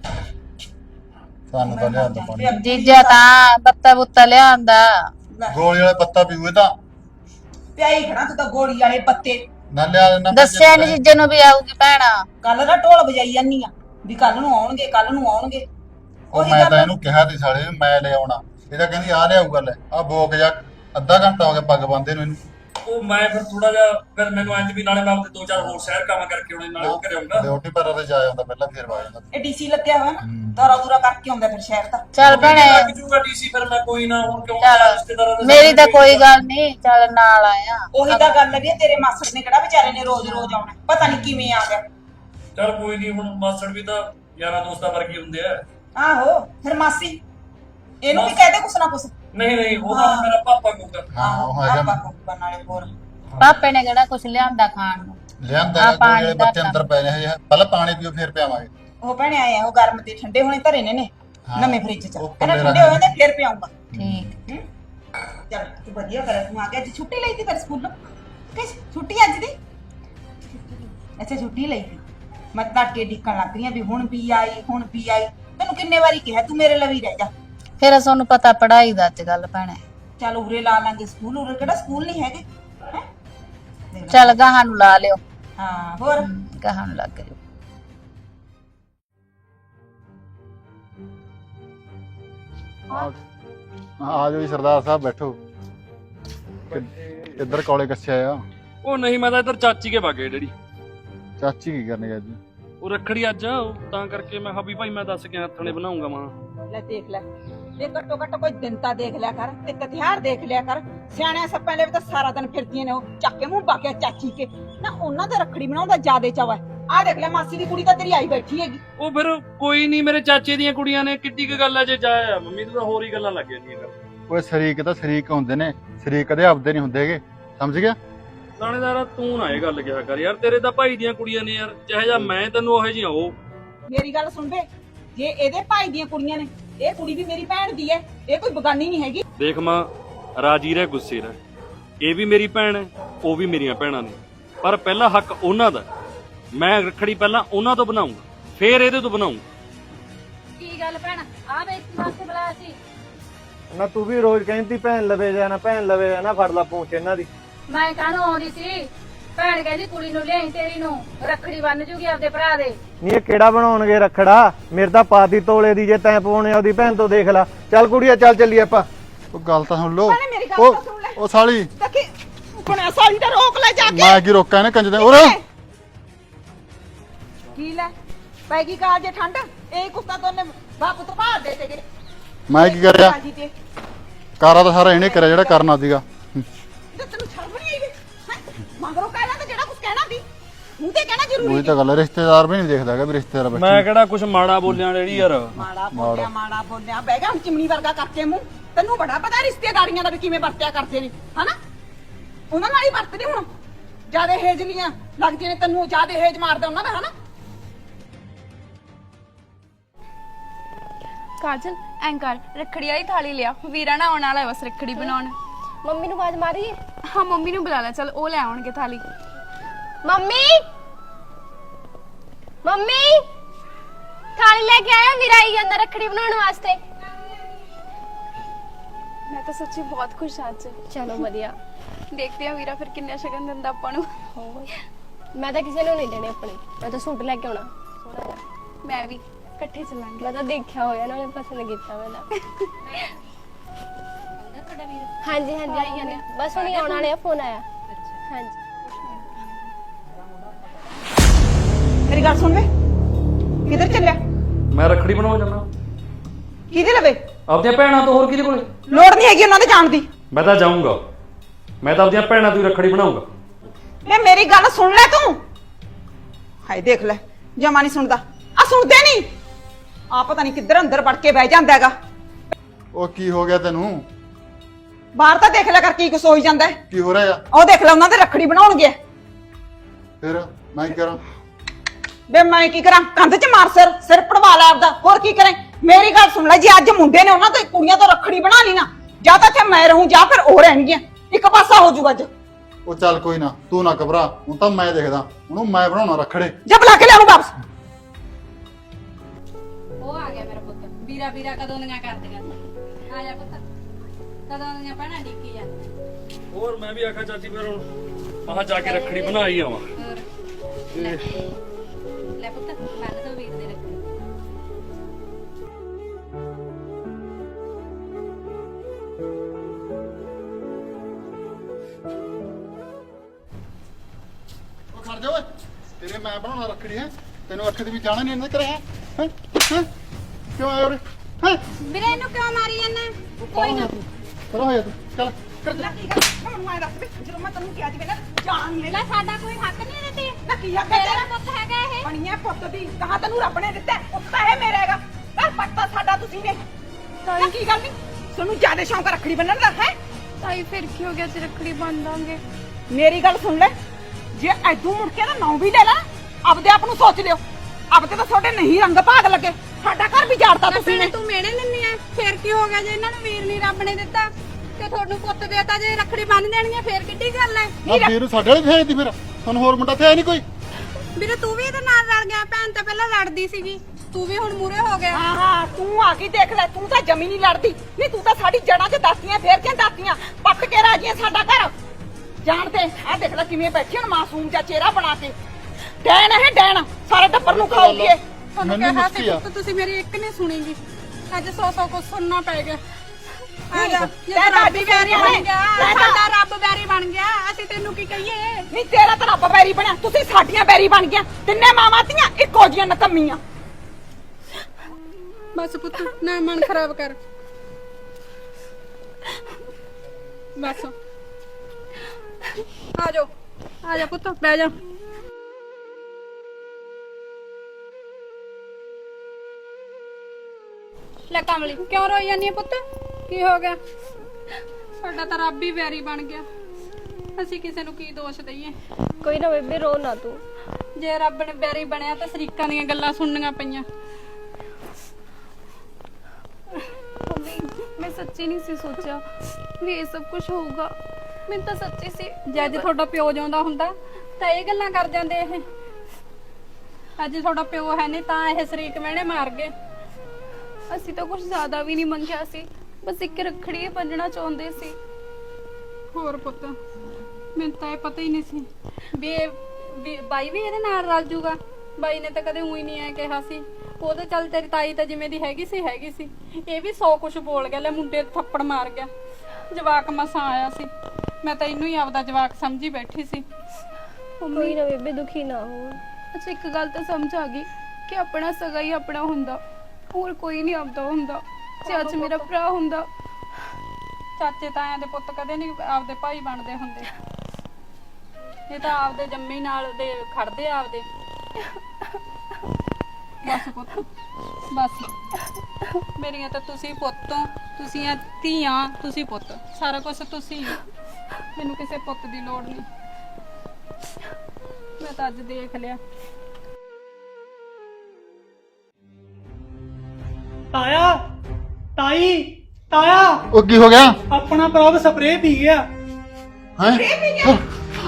E: ਸਾਨੂੰ ਤਾਂ ਲਿਆਂਦਾ ਪਾਣੀ
B: ਜੀਜਾ ਤਾਂ ਬੱਤਾ ਬੁੱਤਾ ਲਿਆਂਦਾ।
E: ਗੋਲੀ ਵਾਲਾ ਪੱਤਾ ਪੀਊਏ ਤਾਂ
F: ਪਿਆਈ ਖੜਾ ਤੂੰ ਤਾਂ ਗੋਲੀ ਵਾਲੇ ਪੱਤੇ।
E: ਨਾ ਲਿਆ ਦੇਣਾ
B: ਦੱਸਿਆ ਨੀ ਜੀਜੇ ਨੂੰ ਵੀ ਆਊਗੀ ਭੈਣਾ।
F: ਕੱਲ ਦਾ ਢੋਲ ਵਜਾਈ ਜਾਨੀ ਆ ਵੀ ਕੱਲ ਨੂੰ ਆਉਣਗੇ ਕੱਲ ਨੂੰ ਆਉਣਗੇ।
E: ਉਹ
F: ਉਹੀ
E: ਮੈਂ ਤਾਂ
F: ਗੱਲ
E: ਇਹਨੂੰ ਕਿਹਾ ਸੀ ਸਾਲੇ ਨੂੰ ਮੈਂ ਲੈ ਆਉਣਾ, ਇਹ ਤਾਂ ਕਹਿੰਦੀ ਆ ਲਿਆਊਗਾ। ਲੈ ਆ ਬੋਕ ਜਾ ਅੱਧਾ ਘੰਟਾ ਹੋ ਗਿਆ ਪੱਗ ਬੰਦੇ ਨੂੰ ਇਹਨੂੰ।
G: ਉਹ ਮੈਂ ਫਿਰ ਥੋੜਾ ਜਿਹਾ ਫਿਰ ਮੈਨੂੰ ਇੰਜ ਵੀ ਨਾਲੇ ਮੈਂ ਆਪਣੇ ਦੋ ਚਾਰ ਹੋਰ ਸ਼ਹਿਰ ਕੰਮ ਕਰਕੇ ਆਉਣੇ ਨਾਲੇ ਉਹ ਕਰੇ ਆਉਂਦਾ।
E: ਡਿਊਟੀ ਪਰ ਉਹਦੇ ਜਾ ਆਉਂਦਾ ਪਹਿਲਾਂ ਫੇਰ ਵਾ ਜਾਂਦਾ।
F: ਇਹ ਡੀਸੀ ਲੱਗਿਆ ਹੋਇਆ ਨਾ ਦੌਰਾ ਦੂਰਾ ਕਰਕੇ ਆਉਂਦਾ ਫਿਰ ਸ਼ਹਿਰ ਦਾ।
B: ਚੱਲ ਭੈਣੇ
G: ਲੱਗ ਜੂਗਾ ਡੀਸੀ ਫਿਰ ਮੈਂ ਕੋਈ ਨਾ ਹੁਣ ਕਿਉਂ
B: ਚੱਲ
G: ਰਿਸ਼ਤੇਦਾਰਾਂ ਦੇ
B: ਮੇਰੀ ਤਾਂ
G: ਸਾਹਮਣੇ
B: ਕੋਈ ਗੱਲ ਨਹੀਂ। ਚੱਲ ਨਾਲ ਆਇਆ।
F: ਉਹੀ ਤਾਂ ਗੱਲ ਹੈ ਵੀ ਇਹ ਤੇਰੇ ਮਾਸੜ ਨੇ ਕਿਹੜਾ ਵਿਚਾਰੇ ਨੇ ਰੋਜ਼ ਰੋਜ਼ ਆਉਣਾ, ਪਤਾ ਨਹੀਂ ਕਿਵੇਂ ਆ ਗਿਆ।
G: ਚੱਲ ਕੋਈ ਨਹੀਂ, ਹੁਣ ਮਾਸੜ ਵੀ ਤਾਂ ਯਾਰਾਂ ਦੋਸਤਾਂ ਵਰਗੇ ਹੁੰਦੇ ਆ।
F: ਆਹੋ ਫਿਰ ਮਾਸੀ ਇਹਨੂੰ ਵੀ ਕਹਿ ਦੇ ਕੁਛ ਨਾ ਕੁਛ।
G: ਨਹੀਂ ਨਹੀਂ ਉਹ ਤਾਂ ਮੇਰਾ ਪਾਪਾ ਕਹੂਗਾ।
E: ਹਾਂ ਉਹ ਹੈਗਾ
F: ਆਪਾਂ ਕੋਲ ਨਾਲੇ ਹੋਰ
B: ਪਾਪੇ ਨੇ ਕਿਹੜਾ ਕੁਛ ਲਿਆਂਦਾ ਖਾਣ ਨੂੰ।
E: ਲਿਆਂਦਾ
B: ਆਹ
E: ਗੋਲੀ
B: ਪਾਣੀ
E: ਵਾਲੇ
B: ਦਾ
E: ਬੱਤੇ ਅੰਦਰ ਪਏ ਨੇ ਹਜੇ, ਪਹਿਲਾਂ ਪਾਣੀ ਪੀਓ ਫੇਰ ਪਿਆਵਾਂਗੇ।
F: ਉਹ ਭੈਣੇ ਆਏ ਆ ਉਹ ਗਰਮ ਤੇ ਠੰਡੇ ਹੋਣੇ ਧਰੇ ਨੇ ਨੇ
E: ਹਾਂ।
F: ਨਵੇਂ ਫ੍ਰਿਜ ਚ
E: ਉਹ
F: ਕਹਿੰਦਾ
E: ਪੱਲੇ
F: ਠੰਡੇ
E: ਰੱਖ
F: ਹੋਏ ਨੇ ਫੇਰ ਪਿਆਉਂਗਾ।
B: ਠੀਕ।
F: ਚੱਲ ਤੂੰ ਵਧੀਆ ਕਰਿਆ ਤੂੰ ਆ ਗਿਆ। ਅੱਜ ਛੁੱਟੀ ਲਈ ਤੀ ਫਿਰ ਸਕੂਲੋਂ ਕਿ ਛੁੱਟੀ ਅੱਜ ਦੀ? ਅੱਛਾ ਛੁੱਟੀ ਲਈ ਤੀ। ਮੈਂ ਤਾਂ ਕੇ ਡਿੱਕਣ ਲੱਗ ਰਹੀ ਆ ਵੀ ਹੁਣ ਵੀ ਆਈ ਹੁਣ ਵੀ ਆਈ। ਤੈਨੂੰ ਕਿੰਨੇ ਵਾਰੀ ਕਿਹਾ ਤੂੰ ਮੇਰੇ ਲਈ ਰਹਿ ਜਾ।
B: ਫਿਰ ਤੁਹਾਨੂੰ ਪਤਾ ਪੜਾਈ ਦਾ ਅੱਜ ਕੱਲ ਭੈਣੇ।
F: ਚੱਲ ਉਰੇ ਲਾ ਲਾਂਗੇ ਸਕੂਲ। ਉਰੇ ਕਿਹੜਾ ਸਕੂਲ ਨਹੀਂ ਹੈਗੇ ਹੈਂ? ਦੇਖ ਲੈ।
B: ਚੱਲ ਗਾਹਾਂ ਨੂੰ ਲਾ ਲਿਓ।
F: ਹਾਂ ਹੋਰ
B: ਹਮ, ਗਾਹਾਂ ਨੂੰ ਲੱਗ ਜਾਓ।
E: ਆ ਆ ਜਾਓ ਜੀ ਸਰਦਾਰ ਸਾਹਿਬ ਬੈਠੋ। ਕਿ- ਕਿੱਧਰ ਕੋਲੇ ਕੱਛਿਆ ਆ?
G: ਉਹ ਨਹੀਂ ਮੈਂ ਤਾਂ ਇੱਧਰ ਚਾਚੀ ਕੇ ਬਾਗੇ ਡੈਡੀ।
E: ਚਾਚੀ ਕੀ ਕਰਨੀ ਅੱਜ?
G: ਉਹ ਰੱਖੜੀ ਅੱਜ ਆ, ਉਹ ਤਾਂ ਕਰਕੇ ਮੈਂ ਕਿਹਾ ਵੀ ਭਾਈ ਮੈਂ ਦੱਸ ਕੇ ਹੱਥਣੇ ਬਣਾਉਂਗਾ ਮਾਂ।
F: ਲੈ ਦੇਖ ਲੈ ਇਹ ਘੱਟੋ ਘੱਟ ਕੋਈ ਦਿਨ ਤਾਂ ਦੇਖ ਲਿਆ ਕਰ ਤੇ ਤਿਉਹਾਰ ਦੇਖ ਲਿਆ ਕਰ। ਸਿਆਣਿਆਂ ਸੱਪਾਂ ਲਈ ਤਾਂ ਸਾਰਾ ਦਿਨ ਫਿਰਦੀਆਂ ਨੇ ਉਹ ਚੱਕ ਕੇ ਮੂੰਹ ਬਾਕਿਆ ਚਾਚੀ ਕੇ ਨਾ। ਉਹਨਾਂ ਦੇ ਰੱਖੜੀ ਬਣਾਉਂਦਾ ਜਿਆਦੇ ਚਾਵਾ। ਆ ਦੇਖ ਲੈ ਮਾਸੀ ਦੀ ਕੁੜੀ ਤਾਂ ਤੇਰੀ ਆਈ ਬੈਠੀ ਹੈਗੀ।
G: ਉਹ ਫਿਰ ਕੋਈ ਨਹੀਂ, ਮੇਰੇ ਚਾਚੇ ਦੀਆਂ ਕੁੜੀਆਂ ਨੇ ਕਿੱਡੀ ਕੁ ਗੱਲ ਆ ਜੇ ਜਾਇਆ। ਮੰਮੀ ਤੋਂ ਤਾਂ ਹੋਰ ਹੀ ਗੱਲਾਂ ਲੱਗ ਜਾਂਦੀਆਂ ਕਰ।
E: ਓਏ ਸ਼ਰੀਕ ਤਾਂ ਸ਼ਰੀਕ ਹੁੰਦੇ ਨੇ, ਸ਼ਰੀਕ ਕਦੇ ਆਪਦੇ ਨਹੀਂ ਹੁੰਦੇਗੇ, ਸਮਝ ਗਿਆ?
G: ਲਾਣੇਦਾਰਾ ਤੂੰ ਨਾ ਇਹ ਗੱਲ ਕਿਹਾ ਕਰ ਯਾਰ, ਤੇਰੇ ਤਾਂ ਭਾਈ ਦੀਆਂ ਕੁੜੀਆਂ ਨੇ ਯਾਰ, ਜਿਹੇ ਜਾਂ ਮੈਂ ਤੈਨੂੰ ਉਹੇ ਜਿਹਾ ਉਹ।
F: ਮੇਰੀ ਗੱਲ ਸੁਣ ਵੇ, ਜੇ ਇਹਦੇ ਭਾਈ ਦੀਆਂ ਕੁੜੀਆਂ ਨੇ, ਇਹ ਕੁੜੀ ਵੀ ਮੇਰੀ ਭੈਣ ਦੀ ਹੈ, ਇਹ ਕੋਈ ਬਗਾਨੀ ਨਹੀਂ ਹੈਗੀ।
G: ਦੇਖ ਮਾਂ, ਰਾਜੀ ਰਹਿ ਗੁੱਸੇ ਰਹਿ, ਇਹ ਵੀ ਮੇਰੀ ਭੈਣ ਹੈ, ਉਹ ਵੀ ਮੇਰੀਆਂ ਭੈਣਾਂ ਨੇ, ਪਰ ਪਹਿਲਾ ਹੱਕ ਉਹਨਾਂ ਦਾ। ਮੈਂ ਰੱਖੜੀ ਪਹਿਲਾਂ ਉਹਨਾਂ ਤੋਂ ਬਣਾਉਂਗਾ, ਫੇਰ ਇਹਦੇ ਤੋਂ ਬਣਾਉਂਗਾ।
B: ਕੀ ਗੱਲ ਭੈਣ ਆ ਵੇ ਵਾਸਤੇ ਬੁਲਾਇਆ ਸੀ?
H: ਨਾ ਤੂੰ ਵੀ ਰੋਜ਼ ਕਹਿੰਦੀ ਭੈਣ ਲਵੇ ਜਾਣਾ ਭੈਣ ਲਵੇ ਜਾਣਾ, ਫੜ ਲਾ ਪੂੰਛ ਇਹਨਾਂ ਦੀ।
B: ਮੈਂ ਕਾਹਨੂੰ ਆਉਂਦੀ ਸੀ? ਭੈਣ ਕਹਿੰਦੀ ਕੁੜੀ ਨੂੰ ਲਿਆਈ ਤੇਰੀ ਨੂੰ, ਰੱਖੜੀ ਬੰਨ ਜੂਗੀ ਆਪਦੇ ਭਰਾ ਦੇ।
H: ਨਹੀਂ ਇਹ ਕਿਹੜਾ ਬਣਾਉਣਗੇ ਰੱਖੜਾ, ਮੇਰੇ ਤਾਂ ਪਾਤੀ ਤੋਲੇ ਦੀ, ਜੇ ਤੈਂ ਪਾਉਣੇ ਉਹਦੀ ਭੈਣ ਤੋਂ ਦੇਖ ਲੈ। ਚੱਲ ਕੁੜੀਆ ਚੱਲ ਚੱਲੀਏ ਆਪਾਂ।
E: ਉਹ ਗੱਲ ਤਾਂ ਸੁਣ ਲੋ।
F: ਪਹਿਲੇ ਮੇਰੀ ਗੱਲ ਤਾਂ ਸੁਣ ਲੈ।
E: ਉਹ ਸਾਲੀ
F: ਦੇਖੀ ਬਣਿਆ ਸਾਲੀ ਤਾਂ ਰੋਕ ਲੈ ਜਾ ਕੇ।
E: ਮੈਂ ਕੀ ਰੋਕਾਂ ਇਹਨੇ ਕੰਜ ਦੇ ਉਰੇ।
F: ਕੀ ਲੈ ਪੈ ਗਈ ਕਾਰ ਜੇ ਠੰਡ, ਇਹ ਕੁੱਤਾ ਤੋਂ ਨੇ ਬਾਪੂ ਤੋਂ ਬਾਹਰ ਦੇ ਤੇ ਗਏ
E: ਮੈਂ ਕੀ ਕਰਿਆ
F: ਜੀ ਤੇ
E: ਕਾਰਾ ਤਾਂ ਸਾਰਾ ਇਹਨੇ ਕਰਿਆ ਜਿਹੜਾ ਕਰਨਾ ਸੀਗਾ
F: ਤੇ ਤੈਨੂੰ ਸ਼ਰਮ ਨਹੀਂ ਆਈ ਵੇ ਹੈਂ? ਮਗਰੋਂ ਕਹਿਣਾ ਤੇ ਜਿਹੜਾ ਕੁਝ ਕਹਿਣਾ ਸੀ ਮੂੰਹ ਤੇ ਕਹਿਣਾ ਜ਼ਰੂਰੀ
E: ਉਹੀ ਤਾਂ ਗੱਲ ਹੈ, ਰਿਸ਼ਤੇਦਾਰ ਵੀ ਨਹੀਂ ਦੇਖਦਾ ਹੈਗਾ ਵੀ ਰਿਸ਼ਤੇਦਾਰ ਬੈਠੇ
G: ਮੈਂ ਕਿਹੜਾ ਕੁਝ ਮਾੜਾ ਬੋਲਿਆ ਡੈਡੀ ਯਾਰ
F: ਮਾੜਾ ਬੋਲਿਆ ਮਾੜਾ ਬੋਲਿਆ ਬਹਿ ਗਿਆ ਹੁਣ ਚਿਮਣੀ ਵਰਗਾ ਕਰਕੇ ਮੂੰਹ ਤੈਨੂੰ ਬੜਾ ਪਤਾ ਰਿਸ਼ਤੇਦਾਰੀਆਂ ਦਾ ਵੀ ਕਿਵੇਂ ਵਰਤਿਆ ਕਰਦੇ ਨੇ ਹਨਾ ਉਹਨਾਂ ਨਾਲ ਹੀ ਵਰਤਦੇ ਹੁਣ ਜਿਆਦੇ ਹੇਜਲੀਆਂ ਲੱਗਦੀਆਂ ਨੇ ਤੈਨੂੰ ਜਿਆਦੇ ਹੇਜ ਮਾਰਦਾ ਉਹਨਾਂ ਦਾ ਹਨਾ
D: ਕਾਜਲ ਐਂਕਰ ਰੱਖੜੀ ਵਾਲੀ ਥਾਲੀ ਲਿਆ ਵੀਰਾ ਨਾ ਆਉਣ ਵਾਲਾ ਹੈ ਬਸ ਰੱਖੜੀ ਬਣਾਉਣ
C: ਮੰਮੀ ਨੂੰ ਆਵਾਜ਼ ਮਾਰੀ
D: ਹਾਂ ਮੰਮੀ ਨੂੰ ਬੁਲਾ ਲੈ ਚਲ ਉਹ ਲੈ ਆਉਣਗੇ ਥਾਲੀ
C: ਮੰਮੀ ਮੰਮੀ ਥਾਲੀ ਲੈ ਕੇ ਆਇਆ ਵੀਰਾ ਆਈ ਜਾਂਦਾ ਰੱਖੜੀ ਬਣਾਉਣ ਵਾਸਤੇ
D: ਮੈਂ ਤਾਂ ਸੱਚੀ ਬਹੁਤ ਖੁਸ਼ ਹਾਂ ਅੱਜ
C: ਚਲੋ ਵਧੀਆ
D: ਦੇਖਦੇ ਆ ਵੀਰਾ ਫਿਰ ਕਿੰਨੇ ਸ਼ਗਨ ਦਿੰਦਾ ਆਪਾਂ ਨੂੰ
C: ਮੈਂ ਤਾਂ ਕਿਸੇ ਨੂੰ ਨਹੀਂ ਦੇਣੇ ਆਪਣੇ ਮੈਂ ਤਾਂ ਸੂਟ ਲੈ ਕੇ ਆਉਣਾ ਸੋਹਣਾ ਜਿਹਾ
D: ਮੈਂ ਵੀ ਇਕੱਠੇ ਚੱਲਾਂਗੇ
C: ਮੈਂ ਤਾਂ ਦੇਖਿਆ ਹੋਇਆ ਨਾ ਉਹਨੇ ਪਸੰਦ ਕੀਤਾ ਮੈਂ ਤਾਂ ਹਾਂਜੀ ਹਾਂਜੀ ਆਈ ਜਾਂਦੇ ਬਸ ਹੁਣੀ ਆਉਣ ਵਾਲੇ ਆ ਫੋਨ ਆਇਆ ਹਾਂਜੀ
F: ਮੇਰੀ ਗੱਲ ਸੁਣ ਵੇ ਕਿੱਧਰ ਚੱਲਿਆ
G: ਮੈਂ ਰੱਖੜੀ ਬਣਾਉਣ ਜਾਣਾ
F: ਕਿਹਦੇ ਲਵੇ
G: ਆਪਣੀਆਂ ਭੈਣਾਂ ਤੋਂ ਹੋਰ ਕਿਹਦੇ ਕੋਲੇ
F: ਲੋੜ ਨਹੀਂ ਹੈਗੀ ਉਹਨਾਂ ਦੇ ਜਾਣ ਦੀ
G: ਮੈਂ ਤਾਂ ਜਾਊਂਗਾ ਮੈਂ ਤਾਂ ਆਪਣੀਆਂ ਭੈਣਾਂ ਤੋਂ ਹੀ ਰੱਖੜੀ ਬਣਾਉਂਗਾ
F: ਵੇ ਮੇਰੀ ਗੱਲ ਸੁਣ ਲੈ ਤੂੰ ਹਾਏ ਦੇਖ ਲੈ ਜਮਾ ਨਹੀਂ ਸੁਣਦਾ ਆ ਸੁਣਦੇ ਨਹੀਂ ਆ ਪਤਾ ਨਹੀਂ ਕਿੱਧਰ ਅੰਦਰ ਵੜ ਕੇ ਬਹਿ ਜਾਂਦਾ ਹੈਗਾ
E: ਉਹ ਕੀ ਹੋ ਗਿਆ ਤੈਨੂੰ
F: ਬਾਹਰ ਤਾਂ ਦੇਖ ਲੈ ਕਰ ਕੀ ਕੁਛ ਹੋਈ ਜਾਂਦਾ ਹੈ
E: ਕੀ ਹੋ ਰਿਹਾ ਆ
F: ਉਹ ਦੇਖ ਲੈ ਉਹਨਾਂ ਦੇ ਰੱਖੜੀ ਬਣਾਉਣਗੇ
E: ਫਿਰ ਮੈਂ ਕੀ ਕਰਾਂ
F: ਵੇ ਮੈਂ ਕੀ ਕਰਾਂ ਕੰਧ 'ਚ ਮਾਰ ਸਿਰ ਸਿਰ ਪੜਵਾ ਲੈ ਆਪਦਾ ਹੋਰ ਕੀ ਕਰੇ ਮੇਰੀ ਗੱਲ ਸੁਣ ਲੈ ਜੇ ਅੱਜ ਮੁੰਡੇ ਨੇ ਉਹਨਾਂ ਤੋਂ ਕੁੜੀਆਂ ਤੋਂ ਰੱਖੜੀ ਬਣਾ ਲਈ ਨਾ ਜਾਂ ਤਾਂ ਇੱਥੇ ਮੈਂ ਰਹੂੰ ਜਾਂ ਫਿਰ ਉਹ ਰਹਿਣਗੀਆਂ ਇੱਕ ਪਾਸਾ ਹੋ ਜਾਊਗਾ ਅੱਜ
E: ਉਹ ਚੱਲ ਕੋਈ ਨਾ ਤੂੰ ਨਾ ਘਬਰਾ ਹੁਣ ਤਾਂ ਮੈਂ ਦੇਖਦਾ ਉਹਨੂੰ ਮੈਂ ਬਣਾਉਣਾ ਰੱਖੜੇ
F: ਜਬ ਲਾ ਕੇ ਲਿਆਉਂ ਵਾਪਸ
B: ਉਹ ਆ ਗਿਆ ਮੇਰਾ ਪੁੱਤ ਵੀਰਾ ਵੀਰਾ ਕਦੋਂ ਦੀਆਂ ਕਰਦੀਆਂ ਆ ਜਾ ਪੁੱਤ ਕਦੋਂ ਦੀਆਂ ਭੈਣਾਂ ਡਿੱਕੀ ਜਾਂਦੀਆਂ
G: ਹੋਰ ਮੈਂ ਵੀ ਆਖਾ ਚਾਚੀ ਫਿਰ ਹੁਣ ਆਹ ਜਾ ਕੇ ਰੱਖੜੀ ਬਣਾਈ ਆਵਾਂ
B: ਹੋਰ ਲੈ ਲੈ ਪੁੱਤ ਬੰਨ ਦੋ ਵੀਰ ਦੇ ਰੱਖੜੀ
E: ਉਹ ਖੜ ਜਾ ਓਏ ਤੇਰੇ ਮੈਂ ਬਣਾਉਣਾ ਰੱਖੜੀ ਹੈ ਤੈਨੂੰ ਅੱਖ ਦੇ ਵੀ ਜਾਣਾ ਨਹੀਂ ਇਹਨਾਂ ਕਰਿਆ ਹੈ ਹੈ ਕਿਉਂ ਆਇਆ ਉਰੇ ਹੈ
B: ਵੀਰੇ ਇਹਨੂੰ ਕਿਉਂ ਮਾਰੀ ਜਾਂਦਾ
E: ਕੋਈ ਨਾ ਚਲੋ ਹੋਇਆ ਤੂੰ ਚੱਲ ਕਰ
F: ਲੈ ਕੀ ਕਰ ਹੁਣ ਮੈਂ ਦੱਸ ਵੀ ਜਦੋਂ ਮੈਂ ਤੈਨੂੰ ਕਿਹਾ ਸੀ ਨਾ ਜਾਨ ਲੈ
B: ਲੈ ਸਾਡਾ ਕੋਈ ਹੱਕ ਨਹੀਂ ਇਹਦੇ ਤੇ
F: ਨਾ ਕੀ ਹੱਕ ਹੈ
B: ਤੇਰਾ
F: ਤੇਰਾ
B: ਪੁੱਤ ਹੈਗਾ ਇਹ
F: ਬਣੀਆਂ ਪੁੱਤ ਦੀ ਕਹਾ ਤੈਨੂੰ ਰੱਬ ਨੇ ਦਿੱਤਾ ਪੁੱਤ ਹੈ ਮੇਰਾ ਹੈਗਾ ਘਰ ਪੱਟਾ ਸਾਡਾ ਤੁਸੀਂ ਨੇ ਨਾ ਕੀ ਗੱਲ ਨਹੀਂ ਤੁਹਾਨੂੰ ਜਿਆਦਾ ਸ਼ੌਂਕ ਰੱਖੜੀ ਬੰਨਣ ਦਾ ਹੈ
D: ਤਾਈ ਫਿਰ ਕੀ ਹੋ ਗਿਆ ਤੇ ਰੱਖੜੀ ਬੰਨ ਦਾਂਗੇ
F: ਮੇਰੀ ਗੱਲ ਸੁਣ ਲੈ ਜੇ ਐਦੂ ਮੁੜ ਕੇ ਨਾ ਨੌ ਵੀ ਲੈ ਲੈ ਆਪਦੇ ਆਪ ਨੂੰ ਸੋਚ ਲਿਓ ਆਪਦੇ ਤਾਂ ਤੁਹਾਡੇ ਨਹੀਂ ਰੰਗ ਭਾਗ ਲੱਗੇ ਸਾਡਾ ਘਰ ਵੀ ਜਾੜਤਾ ਤੁਸੀਂ ਨੇ
B: ਤੂੰ ਮੇੜੇ ਦਿੰਨੀ ਐ ਫੇਰ ਕੀ ਹੋ ਗਿਆ ਜੇ ਇਹਨਾਂ ਨੂੰ ਵੀਰ ਨਹੀਂ ਰੱਬ ਨੇ ਦਿੱਤਾ ਤੇ ਤੁਹਾਨੂੰ ਪੁੱਤ ਦੇਤਾ ਜੇ ਰੱਖੜੀ ਬੰਨ ਦੇਣਗੇ ਫੇਰ ਕਿੱਡੀ ਗੱਲ ਐ
E: ਨਾ ਵੀਰ ਸਾਡੇ ਵਾਲੇ ਭੇਜਦੀ ਫਿਰ ਤੁਹਾਨੂੰ ਹੋਰ ਮੁੰਡਾ ਤੇ ਆਇਆ ਨਹੀਂ ਕੋਈ
B: ਵੀਰੇ ਤੂੰ ਵੀ ਇਹਦੇ ਨਾਲ ਰਲ ਗਿਆ ਭੈਣ ਤਾਂ ਪਹਿਲਾਂ ਲੜਦੀ ਸੀਗੀ ਤੂੰ ਵੀ ਹੁਣ ਮੂਰੇ ਹੋ ਗਿਆ
F: ਹਾਂ ਹਾਂ ਤੂੰ ਆ ਗਈ ਦੇਖ ਲੈ ਤੂੰ ਤਾਂ ਜਮੀ ਨਹੀਂ ਲੜਦੀ ਨਹੀਂ ਤੂੰ ਤਾਂ ਸਾਡੀ ਜੜਾਂ 'ਚ ਦਾਤੀਆਂ ਫੇਰ ਕੇ ਦਾਤੀਆਂ ਪੱਟ ਕੇ ਰਾਜੀਆਂ ਸਾਡਾ ਘਰ ਜਾਣਦੇ ਆ ਦੇਖ ਲੈ ਕਿਵੇਂ ਬੈਠੀ ਹੁਣ ਮਾਸੂਮ ਜਿਹਾ ਚਿਹਰਾ ਬਣਾ ਕੇ ਡੈਣ ਹੈ ਡੈਣ ਸਾਰੇ ਟੱਬਰ ਨੂੰ ਖਾਓਗੀ
B: ਤੁਹਾਨੂੰ
E: ਮੈਨੂੰ
B: ਕਿਹਾ
E: ਮੁਸ਼ਕੀ
B: ਸੀ
E: ਆ।
B: ਪੁੱਤ ਤੁਸੀਂ ਮੇਰੀ ਇੱਕ ਨਹੀਂ ਸੁਣੀਗੀ ਅੱਜ ਸੌ ਸੌ ਕੁਝ ਸੁਣਨਾ ਪੈ ਗਿਆ ਆ ਜਾ ਜੇ
F: ਤੈਂ ਤਾਂ
B: ਰੱਬ ਹੀ ਵੈਰੀ
F: ਤੈਂ
B: ਬਣ ਗਿਆ
F: ਤੈਂ ਤਾਂ-
B: ਸਾਡਾ ਰੱਬ ਵੈਰੀ ਬਣ ਗਿਆ ਅਸੀਂ ਤੈਨੂੰ ਕੀ ਕਹੀਏ
F: ਨਹੀਂ ਤੇਰਾ ਤਾਂ ਰੱਬ ਬੈਰੀ ਬਣਿਆ ਤੁਸੀਂ ਸਾਡੀਆਂ ਬੈਰੀ ਬਣ ਗਿਆ ਤਿੰਨੇ ਮਾਵਾਂ ਧੀਆਂ ਇੱਕੋ ਜੀਆਂ ਨਕਮੀਆਂ
B: ਬਸ ਪੁੱਤ ਨਾ ਮਨ ਖਰਾਬ ਕਰ ਬਸ ਆ ਜਾ ਆ ਜਾ ਪੁੱਤ ਬਹਿ ਜਾ ਲੈ ਕਮਲੀ ਕਿਉਂ ਰੋਈ ਜਾਂਦੀ ਹੈ ਪੁੱਤ ਕੀ ਹੋ ਗਿਆ ਸਾਡਾ ਤਾਂ ਰੱਬ ਹੀ ਵੈਰੀ ਬਣ ਗਿਆ ਅਸੀਂ ਕਿਸੇ ਨੂੰ ਕੀ ਦੋਸ਼ ਦਈਏ
C: ਕੋਈ ਨਾ ਬੇਬੇ ਰੋ ਨਾ ਤੂੰ
B: ਜੇ ਰੱਬ ਨੇ ਵੈਰੀ ਬਣਿਆ ਤਾਂ ਸ਼ਰੀਕਾਂ ਦੀਆਂ ਗੱਲਾਂ ਸੁਣਨੀਆਂ ਪਈਆਂ
D: ਮੰਮੀ ਮੈਂ ਸੱਚੀ ਨਹੀਂ ਸੀ ਸੋਚਿਆ ਵੀ ਇਹ ਸਭ ਕੁਝ ਹੋਊਗਾ ਮੈਨੂੰ ਤਾਂ ਸੱਚੀ ਸੀ
B: ਜੇ ਅੱਜ ਤੁਹਾਡਾ ਪਿਓ ਜਿਉਂਦਾ ਹੁੰਦਾ ਤਾਂ ਇਹ ਗੱਲਾਂ ਕਰ ਜਾਂਦੇ ਇਹ ਅੱਜ ਤੁਹਾਡਾ ਪਿਓ ਹੈ ਨਹੀਂ ਤਾਂ ਇਹ ਸ਼ਰੀਕ ਮੈਨੇ ਮਾਰ ਗਏ
D: ਅਸੀਂ ਤਾਂ ਕੁਝ ਜ਼ਿਆਦਾ ਵੀ ਨਹੀਂ ਮੰਗਿਆ ਸੀ ਬਸ ਇੱਕ ਰੱਖੜੀ ਬੰਨਣਾ ਚਾਹੁੰਦੇ ਸੀ
B: ਹੋਰ ਪੁੱਤ ਮੈਨੂੰ ਤਾਂ ਇਹ ਪਤਾ ਹੀ ਨਹੀਂ ਸੀ ਵੀ ਇਹ ਵੀ ਬਾਈ ਵੀ ਇਹਦੇ ਨਾਲ ਰਲ ਜੂਗਾ ਬਾਈ ਨੇ ਤਾਂ ਕਦੇ ਉਹੀ ਨਹੀਂ ਐ ਕਿਹਾ ਸੀ ਉਹ ਤਾਂ ਚੱਲ ਤੇਰੀ ਤਾਈ ਤਾਂ ਜਿਵੇਂ ਦੀ ਹੈਗੀ ਸੀ ਹੈਗੀ ਸੀ ਇਹ ਵੀ ਸੌ ਕੁਛ ਬੋਲ ਗਿਆ ਲੈ ਮੁੰਡੇ ਤੇ ਥੱਪੜ ਮਾਰ ਗਿਆ ਜਵਾਕ ਮਸਾਂ ਆਇਆ ਸੀ ਮੈਂ ਤਾਂ ਇਹਨੂੰ ਹੀ ਆਪਦਾ ਜਵਾਕ ਸਮਝੀ ਬੈਠੀ ਸੀ
C: ਕੋਈ ਨਾ ਬੇਬੇ ਦੁਖੀ ਨਾ ਹੋ
D: ਅੱਛਾ ਇੱਕ ਗੱਲ ਤਾਂ ਸਮਝ ਆ ਗਈ ਕਿ ਆਪਣਾ ਸਗਾ ਹੀ ਆਪਣਾ ਹੁੰਦਾ ਹੋਰ ਕੋਈ ਨਹੀਂ ਆਪਦਾ ਹੁੰਦਾ। ਜੇ ਅੱਜ ਮੇਰਾ ਭਰਾ ਹੁੰਦਾ।
B: ਚਾਚੇ ਤਾਇਆਂ ਦੇ ਪੁੱਤ ਕਦੇ ਨਹੀਂ ਆਪਦੇ ਭਾਈ ਬਣਦੇ ਹੁੰਦੇ। ਇਹ ਤਾਂ ਆਪਦੇ ਜੰਮੀ ਨਾਲ ਦੇ ਖੜਦੇ ਆ ਆਪਦੇ। ਬਸ ਪੁੱਤ ਬਸ, ਮੇਰੀਆਂ ਤਾਂ ਤੁਸੀਂ ਪੁੱਤੋਂ, ਤੁਸੀਂ ਆ ਧੀਆਂ, ਤੁਸੀਂ ਪੁੱਤ, ਸਾਰਾ ਕੁਝ ਤੁਸੀਂ। ਮੈਨੂੰ ਕਿਸੇ ਪੁੱਤ ਦੀ ਲੋੜ ਨਹੀਂ। ਮੈਂ ਤਾਂ ਅੱਜ ਦੇਖ ਲਿਆ।
J: ਤਾਇਆ, ਤਾਈ, ਤਾਇਆ,
E: ਉਹ ਕੀ ਹੋ ਗਿਆ
J: ਆਪਣਾ ਪ੍ਰਭ ਸਪਰੇਅ ਪੀ ਗਿਆ।
E: ਹੈ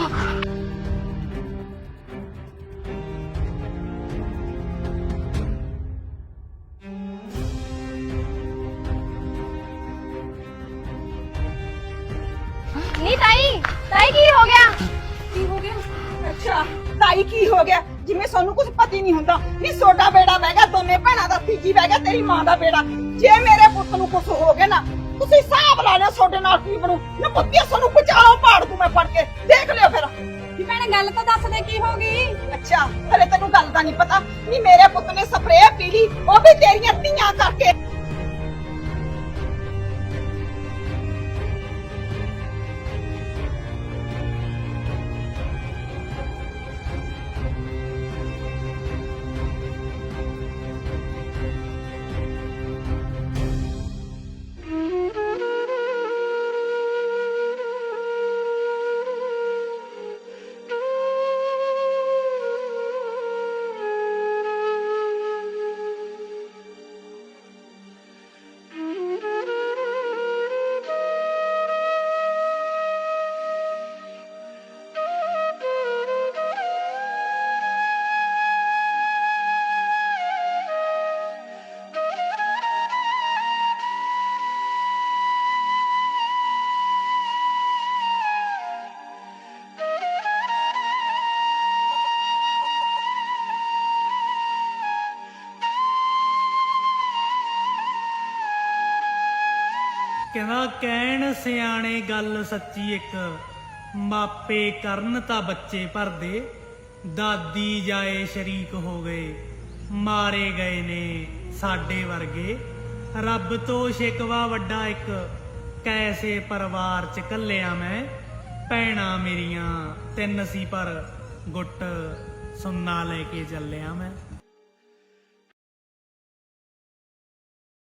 C: ਨਹੀਂ ਤਾਈ, ਤਾਈ ਕੀ ਹੋ ਗਿਆ?
F: ਕੀ ਹੋ ਗਿਆ? ਅੱਛਾ ਤਾਈ ਕੀ ਹੋ ਗਿਆ? ਜਿਵੇਂ ਸਾਨੂੰ ਕੁਝ ਪਤਾ ਹੀ ਨਹੀਂ ਹੁੰਦਾ। ਨਹੀਂ ਸੋਡਾ ਬੇੜਾ ਬਹਿ ਗਿਆ, ਦੋਨੇ ਭੈਣਾਂ ਦਾ, ਤੀਜੀ ਬਹਿ ਗਿਆ ਤੇਰੀ ਮਾਂ ਦਾ ਬੇੜਾ। ਜੇ ਮੇਰੇ ਪੁੱਤ ਨੂੰ ਕੁਝ ਹੋ ਗਿਆ ਨਾ, ਤੁਸੀਂ ਹਿਸਾਬ ਲਾ ਲਿਓ ਤੁਹਾਡੇ ਨਾਲ ਕੀ ਬਣੂ। ਨਾ ਪੁੱਤਿਆ ਸਾਨੂੰ ਬਚਾਓ, ਪਾੜ ਦੂੰ ਮੈਂ ਫੜ ਕੇ, ਦੇਖ ਲਿਓ ਫਿਰ।
B: ਵੀ ਭੈਣੇ ਗੱਲ ਤਾਂ ਦੱਸ ਦੇ ਕੀ ਹੋ ਗਈ?
F: ਅੱਛਾ ਹਲੇ ਤੈਨੂੰ ਗੱਲ ਦਾ ਨਹੀਂ ਪਤਾ। ਨਹੀਂ ਮੇਰੇ ਪੁੱਤ ਨੇ ਸਪਰੇਅ ਪੀ ਲਈ, ਉਹ ਵੀ ਤੇਰੀਆਂ ਧੀਆਂ ਕਰਕੇ।
J: ਕਹਿੰਦਾ ਕਹਿਣ ਸਿਆਣੇ ਗੱਲ ਸੱਚੀ ਇੱਕ, ਮਾਪੇ ਕਰਨ ਤਾਂ ਬੱਚੇ ਭਰਦੇ। ਦਾਦੀ ਜਾਏ ਸ਼ਰੀਕ ਹੋ ਗਏ, ਮਾਰੇ ਗਏ ਨੇ ਸਾਡੇ ਵਰਗੇ। ਰੱਬ ਤੋਂ ਸ਼ਿਕਵਾ ਵੱਡਾ ਇੱਕ, ਕੈਸੇ ਪਰਿਵਾਰ ਚ ਕੱਲਿਆ ਮੈਂ। ਭੈਣਾਂ ਮੇਰੀਆਂ ਤਿੰਨ ਸੀ ਪਰ ਗੁੱਟ ਸੁੰਨਾ ਲੈ ਕੇ ਚੱਲਿਆ ਮੈਂ।